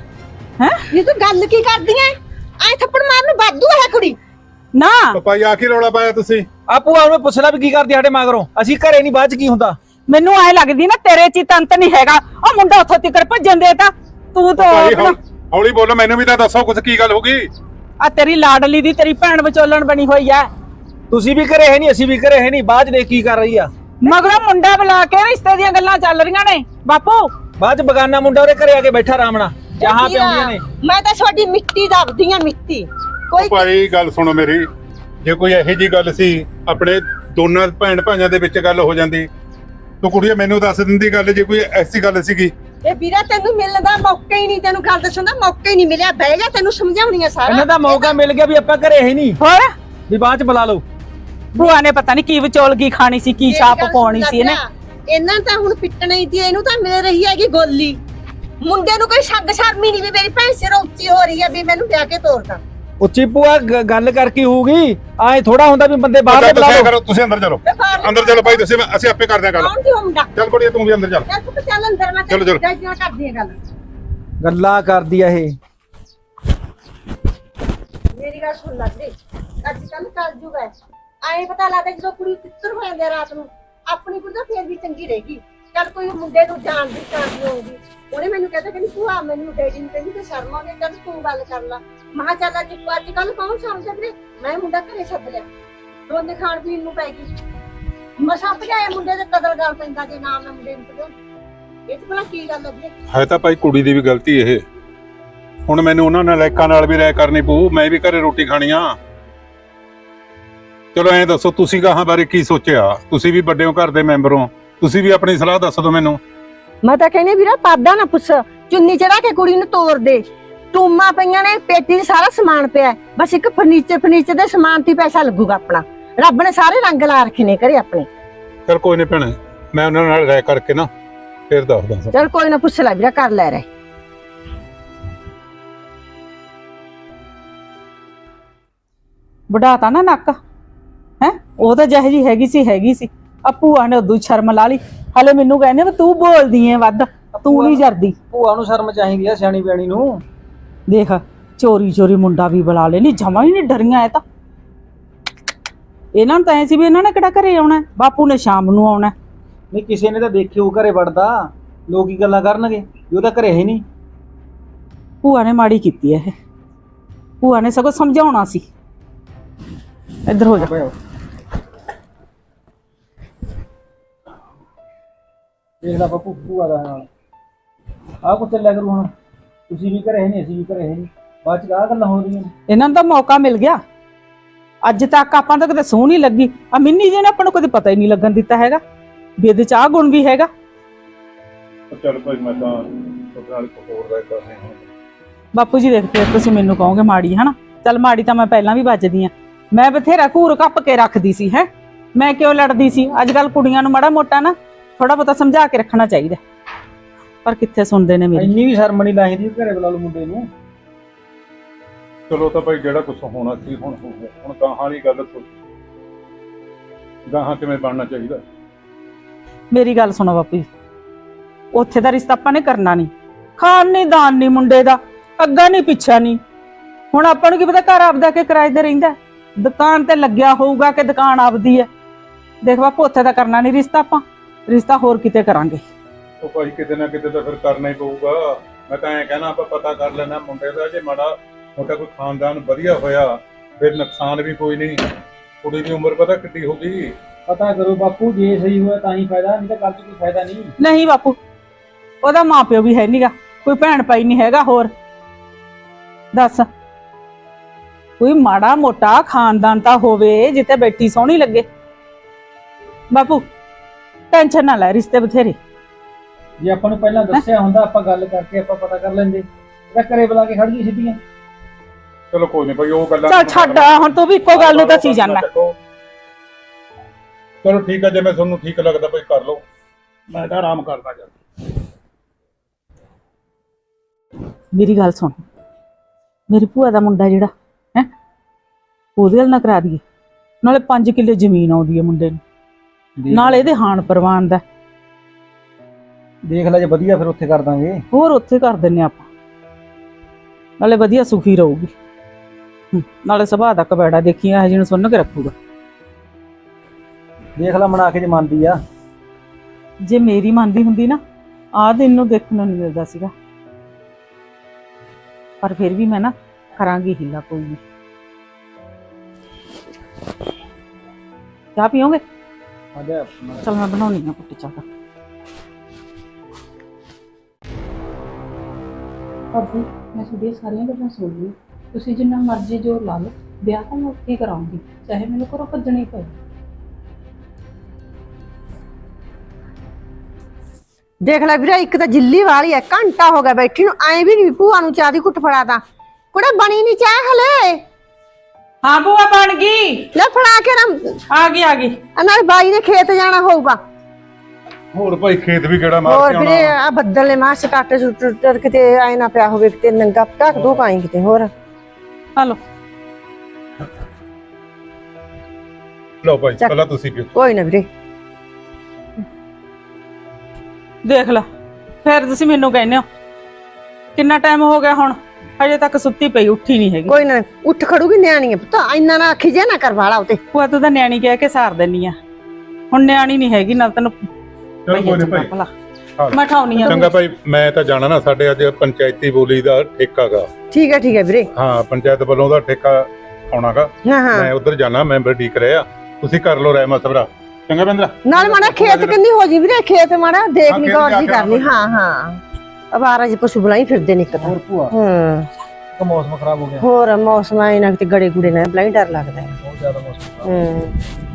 Speaker 1: ਹੈ
Speaker 4: ਇਹ ਤੂੰ ਗੱਲ ਕੀ ਕਰਦੀ ਐ? ਐ ਥੱਪੜ ਮਾਰਨ ਨੂੰ ਬਾਦੂ ਹੈ ਕੁੜੀ।
Speaker 1: ਨਾ
Speaker 5: ਪਾਪਾ ਆ ਕੀ ਰੌਲਾ ਪਾਇਆ ਤੁਸੀਂ?
Speaker 3: ਆ ਭੂਆ ਉਹਨੂੰ ਪੁੱਛਣਾ ਵੀ ਕੀ ਕਰਦੀ ਸਾਡੇ ਮਗਰੋਂ? ਅਸੀਂ ਘਰੇ ਨਹੀਂ, ਬਾਅਦ ਚ ਕੀ ਹੁੰਦਾ?
Speaker 1: ਮੈਨੂੰ ਐ ਲੱਗਦੀ ਨਾ ਤੇਰੇ ਚ ਹੀ ਤੰਤ ਨਹੀਂ ਹੈਗਾ। ਉਹ ਮੁੰਡਾ ਉੱਥੋਂ ਤਿੱਕਰ ਭੱਜਣ ਦੇ ਤਾਂ ਤੂੰ ਤਾਂ
Speaker 5: ਭਾਈ
Speaker 1: ਆਪਣਾ-
Speaker 5: ਹੌਲੀ ਬੋਲੋ, ਮੈਨੂੰ ਵੀ ਤਾਂ ਦੱਸੋ ਕੁਝ ਕੀ ਗੱਲ ਹੋ ਗਈ?
Speaker 1: ਆ ਤੇਰੀ ਲਾਡਲੀ ਦੀ ਤੇਰੀ ਭੈਣ ਵਿਚੋਲਣ ਬਣੀ ਹੋਈ ਐ।
Speaker 3: ਤੁਸੀਂ ਵੀ ਘਰੇ ਹੈ ਨਹੀਂ, ਅਸੀਂ ਵੀ ਘਰੇ ਹੈ ਨਹੀਂ, ਬਾਅਦ ਚ ਦੇਖ ਕੀ ਕਰ ਰਹੀ ਆ।
Speaker 1: ਮਗਰੋਂ ਮੁੰਡਾ ਬੁਲਾ ਕੇ ਰਿਸ਼ਤੇ ਦੀਆਂ ਗੱਲਾਂ ਚੱਲ ਰਹੀਆਂ ਨੇ ਬਾਪੂ।
Speaker 3: ਬਾਅਦ ਚ ਬਗਾਨਾ ਮੁੰਡਾ ਉਹਦੇ ਘਰੇ ਆ ਕੇ ਬੈਠਾ ਰਾਮਣਾ ਚਾਹਾਂ ਪਿਆਉਂਦੀਆਂ ਨੇ।
Speaker 4: ਮੈਂ ਤਾਂ ਤੁਹਾਡੀ ਮਿੱਟੀ ਦੱਬਦੀ ਆ, ਮਿੱਟੀ। ਕੋਈ
Speaker 5: ਭਾਈ ਗੱਲ ਸੁਣੋ ਮੇਰੀ, ਜੇ ਕੋਈ ਇਹੋ ਜੀ ਗੱਲ ਸੀ ਆਪਣੇ ਦੋਨਾਂ ਭੈਣ ਭਾਈਆਂ ਦੇ ਵਿੱਚ ਗੱਲ ਹੋ ਜਾਂਦੀ, ਤੂੰ ਕੁੜੀਏ ਮੈਨੂੰ ਦੱਸ ਦਿੰਦੀ ਗੱਲ। ਜੇ ਕੋਈ ਐਸੀ ਗੱਲ ਸੀਗੀ
Speaker 4: ਇਹ ਵੀਰਾ ਤੈਨੂੰ ਮਿਲਣ ਦਾ ਮੌਕਾ ਹੀ ਨਹੀਂ, ਤੈਨੂੰ ਗੱਲ ਦੱਸਣ ਦਾ ਮੌਕਾ ਹੀ ਨਹੀਂ ਮਿਲਿਆ। ਬਹਿ ਜਾ, ਤੈਨੂੰ ਸਮਝਾਉਣੀ ਆ ਸਾਰਾ।
Speaker 3: ਇਹਨਾਂ ਦਾ ਮੌਕਾ ਮਿਲ ਗਿਆ ਵੀ ਆਪਾਂ ਘਰੇ ਹੀ ਨਹੀਂ,
Speaker 1: ਹੋਰ
Speaker 3: ਵੀ ਬਾਅਦ ਚ ਬੁਲਾ ਲਓ।
Speaker 1: ਭੂਆ ਨੇ ਪਤਾ ਨਹੀਂ ਕੀ ਵਿਚੋਲਗੀ ਖਾਣੀ ਸੀ, ਕੀ
Speaker 4: ਮੇਰੀ
Speaker 1: ਛਾਪ
Speaker 4: ਗੱਲ
Speaker 1: ਪਾਉਣੀ
Speaker 4: ਸੁਣ
Speaker 1: ਸੀ ਇਹਨੇ।
Speaker 4: ਲੱਗਾ, ਇਹਨਾਂ ਤਾਂ ਹੁਣ ਪਿੱਟਣਾ ਹੀ ਸੀ, ਇਹਨੂੰ ਤਾਂ ਮਿਲ ਰਹੀ ਹੈਗੀ ਗੋਲੀ। ਮੁੰਡੇ ਨੂੰ ਕੋਈ ਸ਼ੱਕ ਸ਼ਰਮੀ ਨਹੀਂ ਵੀ ਮੇਰੀ ਭੈਣ ਸਿਰ ਉੱਚੀ ਹੋ ਰਹੀ ਹੈ ਵੀ ਮੈਨੂੰ ਵਿਆਹ ਕੇ ਤੋਰਦਾ।
Speaker 3: ਉੱਚੀ ਭੂਆ ਗ- ਗੱਲ ਕਰਕੇ ਹੋਊਗੀ, ਆਏ ਥੋੜਾ ਹੁੰਦਾ ਵੀ ਬੰਦੇ ਬਾਹਰ ਦੇ ਬੁਲਾ
Speaker 5: ਤੁਸੀਂ
Speaker 3: ਲਓ।
Speaker 5: ਕਰੋ, ਤੁਸੀਂ ਅੰਦਰ ਚਲੋ,
Speaker 4: ਤੇ ਬਾਹਰ
Speaker 5: ਅੰਦਰ ਚਲੋ ਭਾਈ, ਤੁਸੀਂ ਅਸੀਂ ਆਪੇ ਕਰਦੇ ਹਾਂ ਗੱਲ।
Speaker 4: ਕੌਣ ਸੀ ਉਹ ਮੁੰਡਾ?
Speaker 5: ਚੱਲ ਕੁੜੀਏ ਤੂੰ ਵੀ ਅੰਦਰ ਚੱਲ।
Speaker 4: ਚੱਲ ਤੂੰ ਚੱਲ ਅੰਦਰ, ਮੈਂ
Speaker 5: ਚਲੋ, ਚਲੋ।
Speaker 4: ਤੇਰੇ ਨਾਲ ਕਰਦੀ ਹਾਂ ਗੱਲ।
Speaker 3: ਗੱਲਾਂ ਕਰਦੀ ਆ ਇਹ।
Speaker 4: ਮੇਰੀ ਗੱਲ ਸੁਣ ਲੈ ਜੀ, ਅੱਜ ਕੱਲ ਚੱਲ ਜੂਗਾ। ਆਏ ਪਤਾ ਲੱਗਦਾ ਜਦੋਂ ਕੁੜੀ ਤਿੱਤਰ ਹੋ ਜਾਂਦੀ ਆ ਰਾਤ ਨੂੰ, ਆਪਣੀ ਕੁੜੀ ਤਾਂ ਫੇਰ ਵੀ ਚੰਗੀ ਰਹੇਗੀ। ਚੱਲ ਕੋਈ ਮੁੰਡੇ ਨੂੰ ਜਾਣਦੀ ਜਾਣਦੀ ਹੋਊਗੀ, ਉਹਨੇ ਮੈਨੂੰ ਕਹਿੰਦਾ ਕਿ ਭੂਆ ਮੈਨੂੰ ਡੈਡੀ ਨੂੰ ਕਹਿੰਦੀ ਤੇ ਸ਼ਰਮ ਆਉਂਦੀ, ਚੱਲ ਤੂੰ ਗੱਲ ਕਰ ਲਾ। ਮੈਂ ਕਿਹਾ ਚੱਲ ਅੱਜ ਅੱਜ ਕੱਲ ਕੌਣ ਸਮਝਦਾ ਵੀਰੇ, ਮੈਂ ਮੁੰਡਾ ਘਰੇ ਛੱਡ ਲਿਆ, ਦੋਨੇ ਖਾਣ ਪੀਣ ਨੂੰ ਪੈ ਗਈ। ਮਸਾਂ ਭਜਾਏ ਮੁੰਡੇ ਦੇ ਕਦਰ ਗੱਲ ਪੈਂਦਾ ਜੇ ਨਾ ਮੈਂ ਮੁੰਡੇ ਨੂੰ ਭਜਾਉਂਦੀ। ਇਹ ਚ ਭਲਾ ਕੀ ਗੱਲ ਹੈ ਵੀਰੇ?
Speaker 5: ਹੈ ਤਾਂ ਭਾਈ ਕੁੜੀ ਦੀ ਵੀ ਗਲਤੀ ਇਹ। ਹੁਣ ਮੈਨੂੰ ਉਹਨਾਂ ਨਾਲ ਲੈਕਾਂ ਨਾਲ ਵੀ ਰਾਇ ਕਰਨੀ ਪਊ, ਮੈਂ ਵੀ ਘਰੇ ਰੋਟੀ ਖਾਣੀ ਆ। ਚਲੋ ਐਂ ਦੱਸੋ ਤੁਸੀਂ ਗਾਹਾਂ ਬਾਰੇ ਕੀ ਸੋਚਿਆ? ਤੁਸੀਂ ਵੀ ਵੱਡੇ ਹੋ, ਘਰ ਦੇ ਮੈਂਬਰ ਹੋ, ਤੁਸੀਂ ਵੀ ਆਪਣੀ ਸਲਾਹ ਦੱਸ ਦਿਓ ਮੈਨੂੰ।
Speaker 4: ਮੈਂ ਤਾਂ ਕਹਿੰਦੀ ਵੀਰਾ ਪਾਦਾ ਨਾ ਪੁੱਛ, ਚੁੰਨੀ ਚੜਾ ਕੇ ਕੁੜੀ ਨੂੰ ਤੋੜ ਦੇ। ਟੂਮਾਂ ਪਈਆਂ ਨੇ, ਪੇਟੀ 'ਚ ਸਾਰਾ ਸਮਾਨ ਪਿਆ ਹੈ। ਬਸ ਇੱਕ ਫਰਨੀਚਰ ਫਰਨੀਚਰ ਦੇ ਸਮਾਨ ਤੇ ਹੀ ਪੈਸਾ ਲੱਗੂਗਾ ਆਪਣਾ। ਰੱਬ ਨੇ ਸਾਰੇ ਰੰਗ ਲਾ ਰੱਖੇ ਨੇ ਘਰੇ ਆਪਣੇ।
Speaker 5: ਚਲ ਕੋਈ ਨਹੀਂ ਭੈਣੇ, ਮੈਂ ਉਹਨਾਂ ਨਾਲ ਰਾਇ ਕਰਕੇ ਨਾ ਫਿਰ ਦੱਸਦਾ।
Speaker 4: ਚਲ ਕੋਈ ਨਾ, ਪੁੱਛ ਲੈ ਵੀਰਾ, ਕਰ ਲੈ ਰਹੇ।
Speaker 1: ਵਢਾਤਾ ਨਾ ਨੱਕ ਹੈ, ਉਹ ਤਾਂ ਜਿਹੋ ਜੀ ਹੈਗੀ ਸੀ ਹੈਗੀ ਸੀ। ਆ ਭੂਆ ਨੇ ਉਦੋਂ ਸ਼ਰਮ ਲਾ ਲਈ, ਹਲੇ ਮੈਨੂੰ ਕਹਿੰਦੇ ਵੀ ਤੂੰ ਬੋਲਦੀ ਐ ਵੱਧ, ਤੂੰ ਨਹੀਂ ਜਰਦੀ।
Speaker 3: ਭੂਆ ਨੂੰ ਸ਼ਰਮ ਚਾਹੀਦੀ ਆ, ਸਿਆਣੀ ਬਿਆਣੀ ਨੂੰ।
Speaker 1: ਦੇਖ ਚੋਰੀ ਚੋਰੀ ਮੁੰਡਾ ਵੀ ਬੁਲਾ ਲੈ, ਨਹੀਂ ਜਮਾ ਹੀ ਨਹੀਂ ਡਰੀਆਂ ਇਹ ਤਾਂ। ਇਹਨਾਂ ਨੂੰ ਤਾਂ ਐ ਸੀ ਵੀ ਇਹਨਾਂ ਨੇ ਕਿਹੜਾ ਘਰੇ ਆਉਣਾ, ਬਾਪੂ ਨੇ ਸ਼ਾਮ ਨੂੰ ਆਉਣਾ।
Speaker 3: ਨਹੀਂ ਕਿਸੇ ਨੇ ਤਾਂ ਦੇਖਿਓ ਘਰੇ ਵੜਦਾ, ਲੋਕ ਕੀ ਗੱਲਾਂ ਕਰਨਗੇ ਵੀ ਉਹ ਤਾਂ ਘਰੇ ਹੀ ਨਹੀਂ।
Speaker 1: ਭੂਆ ਨੇ ਮਾੜੀ ਕੀਤੀ ਐ ਇਹ, ਭੂਆ ਨੇ ਸਗੋਂ ਸਮਝਾਉਣਾ ਸੀ। ਇੱਧਰ ਹੋ ਜਾ।
Speaker 3: ਦੇਖ ਲੈ ਬਾਪੂ, ਭੂਆ ਦਾ ਨਾਲ ਆਹ ਕੁੱਤੇ ਲੈ ਕਰੂ। ਹੁਣ ਤੁਸੀਂ ਵੀ ਘਰੇ ਨਹੀਂ, ਅਸੀਂ ਵੀ ਘਰੇ ਨਹੀਂ, ਬਾਅਦ ਚ ਆਹ ਗੱਲਾਂ ਹੋ ਰਹੀਆਂ ਨੇ।
Speaker 1: ਇਹਨਾਂ ਨੂੰ ਤਾਂ ਮੌਕਾ ਮਿਲ ਗਿਆ। ਅੱਜ ਤੱਕ ਆਪਾਂ ਤਾਂ ਕਦੇ ਸੂਹ ਨਹੀਂ ਲੱਗੀ, ਆ ਮਿੰਨੀ ਜੀ ਨੇ ਆਪਾਂ ਨੂੰ ਕਦੇ ਪਤਾ ਹੀ ਨਹੀਂ ਲੱਗਣ ਦਿੱਤਾ ਹੈਗਾ ਵੀ ਇਹਦੇ ਚ ਆਹ ਗੁਣ ਵੀ ਹੈਗਾ।
Speaker 5: ਚਲ ਭਾਈ ਮੈਂ ਤਾਂ ਤੁਹਾਡੇ ਨਾਲ ਇੱਕ ਹੋਰ ਰਾਇ ਕਰਨੀ ਹੁਣ।
Speaker 1: ਬਾਪੂ ਜੀ ਦੇਖ ਫਿਰ ਤੁਸੀਂ ਮੈਨੂੰ ਕਹੋਗੇ ਮਾੜੀ, ਹਨਾ? ਚੱਲ ਮਾੜੀ ਤਾਂ ਮੈਂ ਪਹਿਲਾਂ ਵੀ ਵੱਜਦੀ ਆ, ਮੈਂ ਬਥੇਰਾ ਘੂਰ ਕੱਪ ਕੇ ਰੱਖਦੀ ਸੀ ਹੈ, ਮੈਂ ਕਿਉਂ ਲੜਦੀ ਸੀ? ਅੱਜ ਕੱਲ ਕੁੜੀਆਂ ਨੂੰ ਮਾੜਾ ਮੋਟਾ ਨਾ ਥੋੜਾ ਬਹੁਤਾ ਸਮਝਾ ਕੇ ਰੱਖਣਾ ਚਾਹੀਦਾ, ਪਰ ਕਿੱਥੇ ਸੁਣਦੇ ਨੇ ਮੇਰੀ।
Speaker 3: ਇੰਨੀ ਵੀ ਸ਼ਰਮ ਨਹੀਂ ਲਾਹੀਦੀ, ਘਰੇ ਬੁਲਾ ਲਓ ਮੁੰਡੇ ਨੂੰ।
Speaker 5: ਚਲੋ ਤਾਂ ਭਾਈ ਜਿਹੜਾ ਕੁਝ ਹੋਣਾ ਸੀ ਹੁਣ ਹੋ ਗਿਆ। ਹੁਣ ਗਾਹਾਂ ਵਾਲੀ ਗੱਲ ਸੋਚੋ, ਗਾਹਾਂ ਕਿਵੇਂ ਬਣਨਾ ਚਾਹੀਦਾ।
Speaker 1: ਮੇਰੀ ਗੱਲ ਸੁਣੋ ਬਾਪੂ ਜੀ, ਉੱਥੇ ਦਾ ਰਿਸ਼ਤਾ ਆਪਾਂ ਨੇ ਕਰਨਾ ਨਹੀਂ, ਖਾਨ ਨਹੀਂ ਦਾਨ ਨਹੀਂ ਮੁੰਡੇ ਦਾ, ਅੱਗਾ ਨਹੀਂ ਪਿੱਛਾ ਨਹੀਂ। ਹੁਣ ਆਪਾਂ ਨੂੰ ਕੀ ਪਤਾ ਘਰ ਆਪਦਾ ਕੇ ਕਿਰਾਏ ਤੇ ਰਹਿੰਦਾ, ਦੁਕਾਨ ਤੇ ਲੱਗਿਆ ਹੋਊਗਾ ਕਿ ਦੁਕਾਨ ਆਪਦੀ ਹੈ। ਦੇਖ ਬਾਪੂ ਉੱਥੇ ਦਾ ਕਰਨਾ ਨਹੀਂ ਰਿਸ਼ਤਾ, ਆਪਾਂ ਰਿਸ਼ਤਾ ਹੋਰ ਕਿਤੇ ਕਰਾਂਗੇ।
Speaker 5: ਉਹ ਭਾਈ ਕਿਤੇ ਨਾ ਕਿਤੇ ਤਾਂ ਫਿਰ ਕਰਨਾ ਹੀ ਪਊਗਾ। ਮੈਂ ਤਾਂ ਐਂ ਕਹਿਣਾ ਆਪਾਂ ਪਤਾ ਕਰ ਲੈਣਾ ਮੁੰਡੇ ਦਾ, ਜੇ ਮਾੜਾ ਮੋਟਾ ਕੋਈ ਖਾਨਦਾਨ ਵਧੀਆ ਹੋਇਆ ਫਿਰ ਨੁਕਸਾਨ ਵੀ ਕੋਈ ਨਹੀਂ। ਕੁੜੀ ਦੀ ਉਮਰ ਪਤਾ ਕਿੱਡੀ ਹੋ ਗਈ।
Speaker 3: ਪਤਾ ਕਰੋ ਬਾਪੂ, ਜੇ ਸਹੀ ਹੋਇਆ ਤਾਂ ਹੀ ਫਾਇਦਾ, ਨਹੀਂ ਤਾਂ ਕੱਲ ਚ ਕੋਈ ਫਾਇਦਾ ਨਹੀਂ।
Speaker 1: ਨਹੀਂ ਬਾਪੂ, ਉਹਦਾ ਮਾਪਿਓ ਵੀ ਹੈ ਨਹੀਂਗਾ, ਕੋਈ ਭੈਣ ਭਾਈ ਨਹੀਂ ਹੈਗਾ। ਹੋਰ ਦੱਸ, ਕੋਈ ਮਾੜਾ ਮੋਟਾ ਖਾਨਦਾਨ ਤਾਂ ਹੋਵੇ ਜਿੱਥੇ ਬੈਠੀ ਸੋਹਣੀ ਲੱਗੇ। ਬਾਪੂ ਟੈਨਸ਼ਨ ਨਾ ਲੈ, ਰਿਸ਼ਤੇ ਬਥੇਰੇ।
Speaker 3: ਜੇ ਆਪਾਂ ਨੂੰ ਪਹਿਲਾਂ ਦੱਸਿਆ ਹੁੰਦਾ, ਆਪਾਂ ਗੱਲ ਕਰਕੇ ਆਪਾਂ ਪਤਾ ਕਰ ਲੈਂਦੇ। ਇਹਦਾ ਘਰੇ ਬੁਲਾ ਕੇ ਖੜ ਗਈ ਸਿੱਧੀਆਂ।
Speaker 5: ਚਲੋ ਕੋਈ ਨਹੀਂ ਭਾਈ, ਉਹ ਗੱਲਾਂ
Speaker 1: ਚੱਲ ਛੱਡ, ਹੁਣ ਤੂੰ ਵੀ ਇੱਕੋ ਗੱਲ ਨੂੰ ਦੱਸੀ ਜਾਣਾ।
Speaker 5: ਚਲੋ ਠੀਕ ਆ, ਜੇ ਮੈਂ ਤੁਹਾਨੂੰ ਠੀਕ ਲੱਗਦਾ ਭਾਈ ਕਰ ਲਓ, ਮੈਂ ਤਾਂ ਆਰਾਮ ਕਰਦਾ ਜਾ।
Speaker 1: ਮੇਰੀ ਗੱਲ ਸੁਣ, ਮੇਰੀ ਭੂਆ ਦਾ ਮੁੰਡਾ ਜਿਹੜਾ ਹੈ, ਉਹਦੇ ਨਾਲ ਨਾ ਕਰਾ ਦਈਏ, ਨਾਲੇ ਪੰਜ ਕਿੱਲੇ ਜ਼ਮੀਨ ਆਉਂਦੀ ਹੈ ਮੁੰਡੇ ਨੂੰ, ਨਾਲ ਇਹਦੇ ਹਾਨ ਪ੍ਰਵਾਨ ਦਾ।
Speaker 3: ਦੇਖ ਲੈ ਜੇ ਵਧੀਆ ਫਿਰ ਉੱਥੇ ਕਰ ਦਾਂਗੇ।
Speaker 1: ਹੋਰ ਉੱਥੇ ਕਰ ਦਿੰਨੇ ਆਪਾਂ, ਨਾਲੇ ਵਧੀਆ ਸੁਖੀ ਰਹੂਗੀ, ਹੂੰ, ਨਾਲੇ ਸੁਭਾਅ ਦਾ ਕਬੈੜਾ ਦੇਖੀ ਇਹ ਜਿਹਨੂੰ ਸੁਣ ਕੇ ਰੱਖੂਗਾ।
Speaker 3: ਦੇਖ ਲੈ ਮਨਾ ਕੇ ਜੇ ਮੰਨਦੀ ਆ।
Speaker 1: ਜੇ ਮੇਰੀ ਮੰਨਦੀ ਹੁੰਦੀ ਨਾ, ਆਹ ਦਿਨ ਨੂੰ ਦੇਖਣ ਨੂੰ ਨਹੀਂ ਮਿਲਦਾ ਸੀਗਾ। ਪਰ ਫਿਰ ਵੀ ਮੈਂ ਨਾ ਕਰਾਂਗੀ ਹੀਲਾ, ਕੋਈ ਨਹੀਂ। ਚਾਹ ਪੀਓਗੇ? ਚਲ ਮੈਂ ਬਣਾਉਣੀ ਆ ਕੁੱਟੀ ਚਾਹ।
Speaker 2: ਭਾਬੀ ਮੈਂ ਤੁਹਾਡੀਆਂ ਸਾਰੀਆਂ ਗੱਲਾਂ ਸੁਣ ਲਈਆਂ, ਤੁਸੀਂ ਜਿੰਨਾ ਮਰਜ਼ੀ ਜ਼ੋਰ ਲਾ ਲਓ, ਵਿਆਹ ਤਾਂ ਮੈਂ ਉੱਥੇ ਹੀ ਕਰਾਉਂਗੀ, ਚਾਹੇ ਮੈਨੂੰ ਘਰੋਂ ਭੱਜਣੀ ਪਏ।
Speaker 4: ਦੇਖ ਲੈ ਵੀਰੇ ਇੱਕ ਤਾਂ ਜਿੱਲੀ ਵਾਲੀ ਐ, ਘੰਟਾ ਹੋ ਗਿਆ ਬੈਠੀ ਨੂੰ, ਐਂ ਵੀ ਨਹੀਂ ਭੂਆ ਨੂੰ ਚਾਹ ਦੀ ਘੁੱਟ ਫੜਾ ਦਾਂ। ਕੁੜੇ ਬਣੀ ਨਹੀਂ ਚਾਹ ਹਲੇ।
Speaker 1: ਹਾਂ ਭੂਆ ਬਣ ਗਈ।
Speaker 4: ਲੈ ਫੜਾ ਕੇ ਨਾ,
Speaker 1: ਆ ਗਈ ਆ ਗਈ।
Speaker 4: ਆ ਨਾਲ ਬਾਈ ਨੇ ਖੇਤ ਜਾਣਾ ਹੋਊਗਾ।
Speaker 5: ਹੋਰ ਭਾਈ ਖੇਤ ਵੀ ਕਿਹੜਾ ਮਾਰ
Speaker 4: ਹੋਰ
Speaker 5: ਕੇ
Speaker 4: ਵੀਰੇ
Speaker 5: ਆਉਣਾ।
Speaker 4: ਆ ਬੱਦਲ ਨੇ ਮਾਸ ਕਾਟੇ ਸੁੱਟ ਕਿਤੇ ਆਏ ਨਾ ਪਿਆ ਹੋਵੇ, ਕਿਤੇ ਨੰਗਾ ਢੱਕ ਦੋ ਕਾਈ ਕਿਤੇ ਹੋਰ।
Speaker 1: ਹਲੋ
Speaker 5: ਲਓ ਭਾਈ
Speaker 4: ਚੱਕ।
Speaker 5: ਪਹਿਲਾਂ ਤੁਸੀਂ ਪੀਓ।
Speaker 4: ਕੋਈ ਨਾ ਵੀਰੇ।
Speaker 1: ਦੇਖ ਲੈ ਫਿਰ ਤੁਸੀਂ ਮੈਨੂੰ ਕਹਿੰਦੇ ਹੋ ਕਿੰਨਾ ਟਾਈਮ ਹੋ ਗਿਆ ਹੁਣ, ਹਜੇ ਤੱਕ ਸੁੱਤੀ ਪਈ, ਉੱਠੀ ਨਹੀਂ ਹੈਗੀ।
Speaker 4: ਕੋਈ ਨਾ ਉੱਠ ਖੜੂਗੀ, ਨਿਆਣੀ ਹੈ ਪੁੱਤ, ਇੰਨਾ ਨਾ ਆਖੀ ਜੇ ਨਾ ਕਰ ਵਾਲਾ ਉਤੇ।
Speaker 1: ਭੂਆ ਤੂੰ ਤਾਂ ਨਿਆਣੀ ਕਹਿ ਕੇ ਸਾਰ ਦਿੰਨੀ ਆ, ਹੁਣ ਨਿਆਣੀ ਨਹੀਂ ਹੈਗੀ ਨਾਲ ਤੈਨੂੰ।
Speaker 5: ਚਲ ਕੋਈ ਨਹੀਂ ਭਾਈ।
Speaker 1: ਭਲਾ
Speaker 5: ਹਾਂ।
Speaker 1: ਮੈਂ ਠਾਉਣੀ ਆ।
Speaker 5: ਚੰਗਾ ਭਾਈ ਮੈਂ ਤਾਂ ਜਾਣਾ ਨਾ, ਸਾਡੇ ਅੱਜ ਪੰਚਾਇਤੀ ਬੋਲੀ ਦਾ ਠੇਕਾ ਗਾ।
Speaker 4: ਠੀਕ ਹੈ ਠੀਕ ਹੈ ਵੀਰੇ।
Speaker 5: ਹਾਂ ਪੰਚਾਇਤ ਵੱਲੋਂ ਦਾ ਠੇਕਾ ਆਉਣਾਗਾ,
Speaker 4: ਹਾਂ ਹਾਂ
Speaker 5: ਮੈਂ ਉਧਰ ਜਾਣਾ, ਮੈਂਬਰ ਡੀਕ ਰਿਹਾ। ਤੁਸੀਂ ਕਰ ਲਓ ਰਹਿਮਤ ਸਭਰਾ। ਚੰਗਾ ਬਿੰਦਰਾ।
Speaker 4: ਨਾਲ ਮਾੜਾ ਖੇਤ ਕਿੰਨੀ ਹੋ ਜੀ ਵੀਰੇ, ਖੇਤ ਮਾੜਾ ਦੇਖ
Speaker 5: ਹਾਂ,
Speaker 4: ਲਈ
Speaker 5: ਖੇਤ
Speaker 4: ਗੌਰ
Speaker 5: ਜਾ
Speaker 4: ਜੀ
Speaker 5: ਕੇ
Speaker 4: ਕਰ ਲਈ। ਹਾਂ ਹਾਂ ਅਵਾਰਾ ਜੀ ਪਸ਼ੂ ਬਲਾਈ ਫਿਰਦੇ ਨੇ ਇੱਕ ਤਾਂ।
Speaker 3: ਹੋਰ ਭੂਆ
Speaker 4: ਹਾਂ
Speaker 3: ਇੱਕ ਮੌਸਮ ਖਰਾਬ ਹੋ ਗਿਆ,
Speaker 4: ਹੋਰ ਮੌਸਮ ਆਏ ਨਾ ਕਿਤੇ ਗੜੇ ਗੁੜੇ ਨਾ ਬਲਾਈ ਡਰ ਲੱਗਦਾ ਹੈ।
Speaker 3: ਬਹੁਤ ਜ਼ਿਆਦਾ ਮੌਸਮ ਖਰਾਬ।
Speaker 4: ਹੂੰ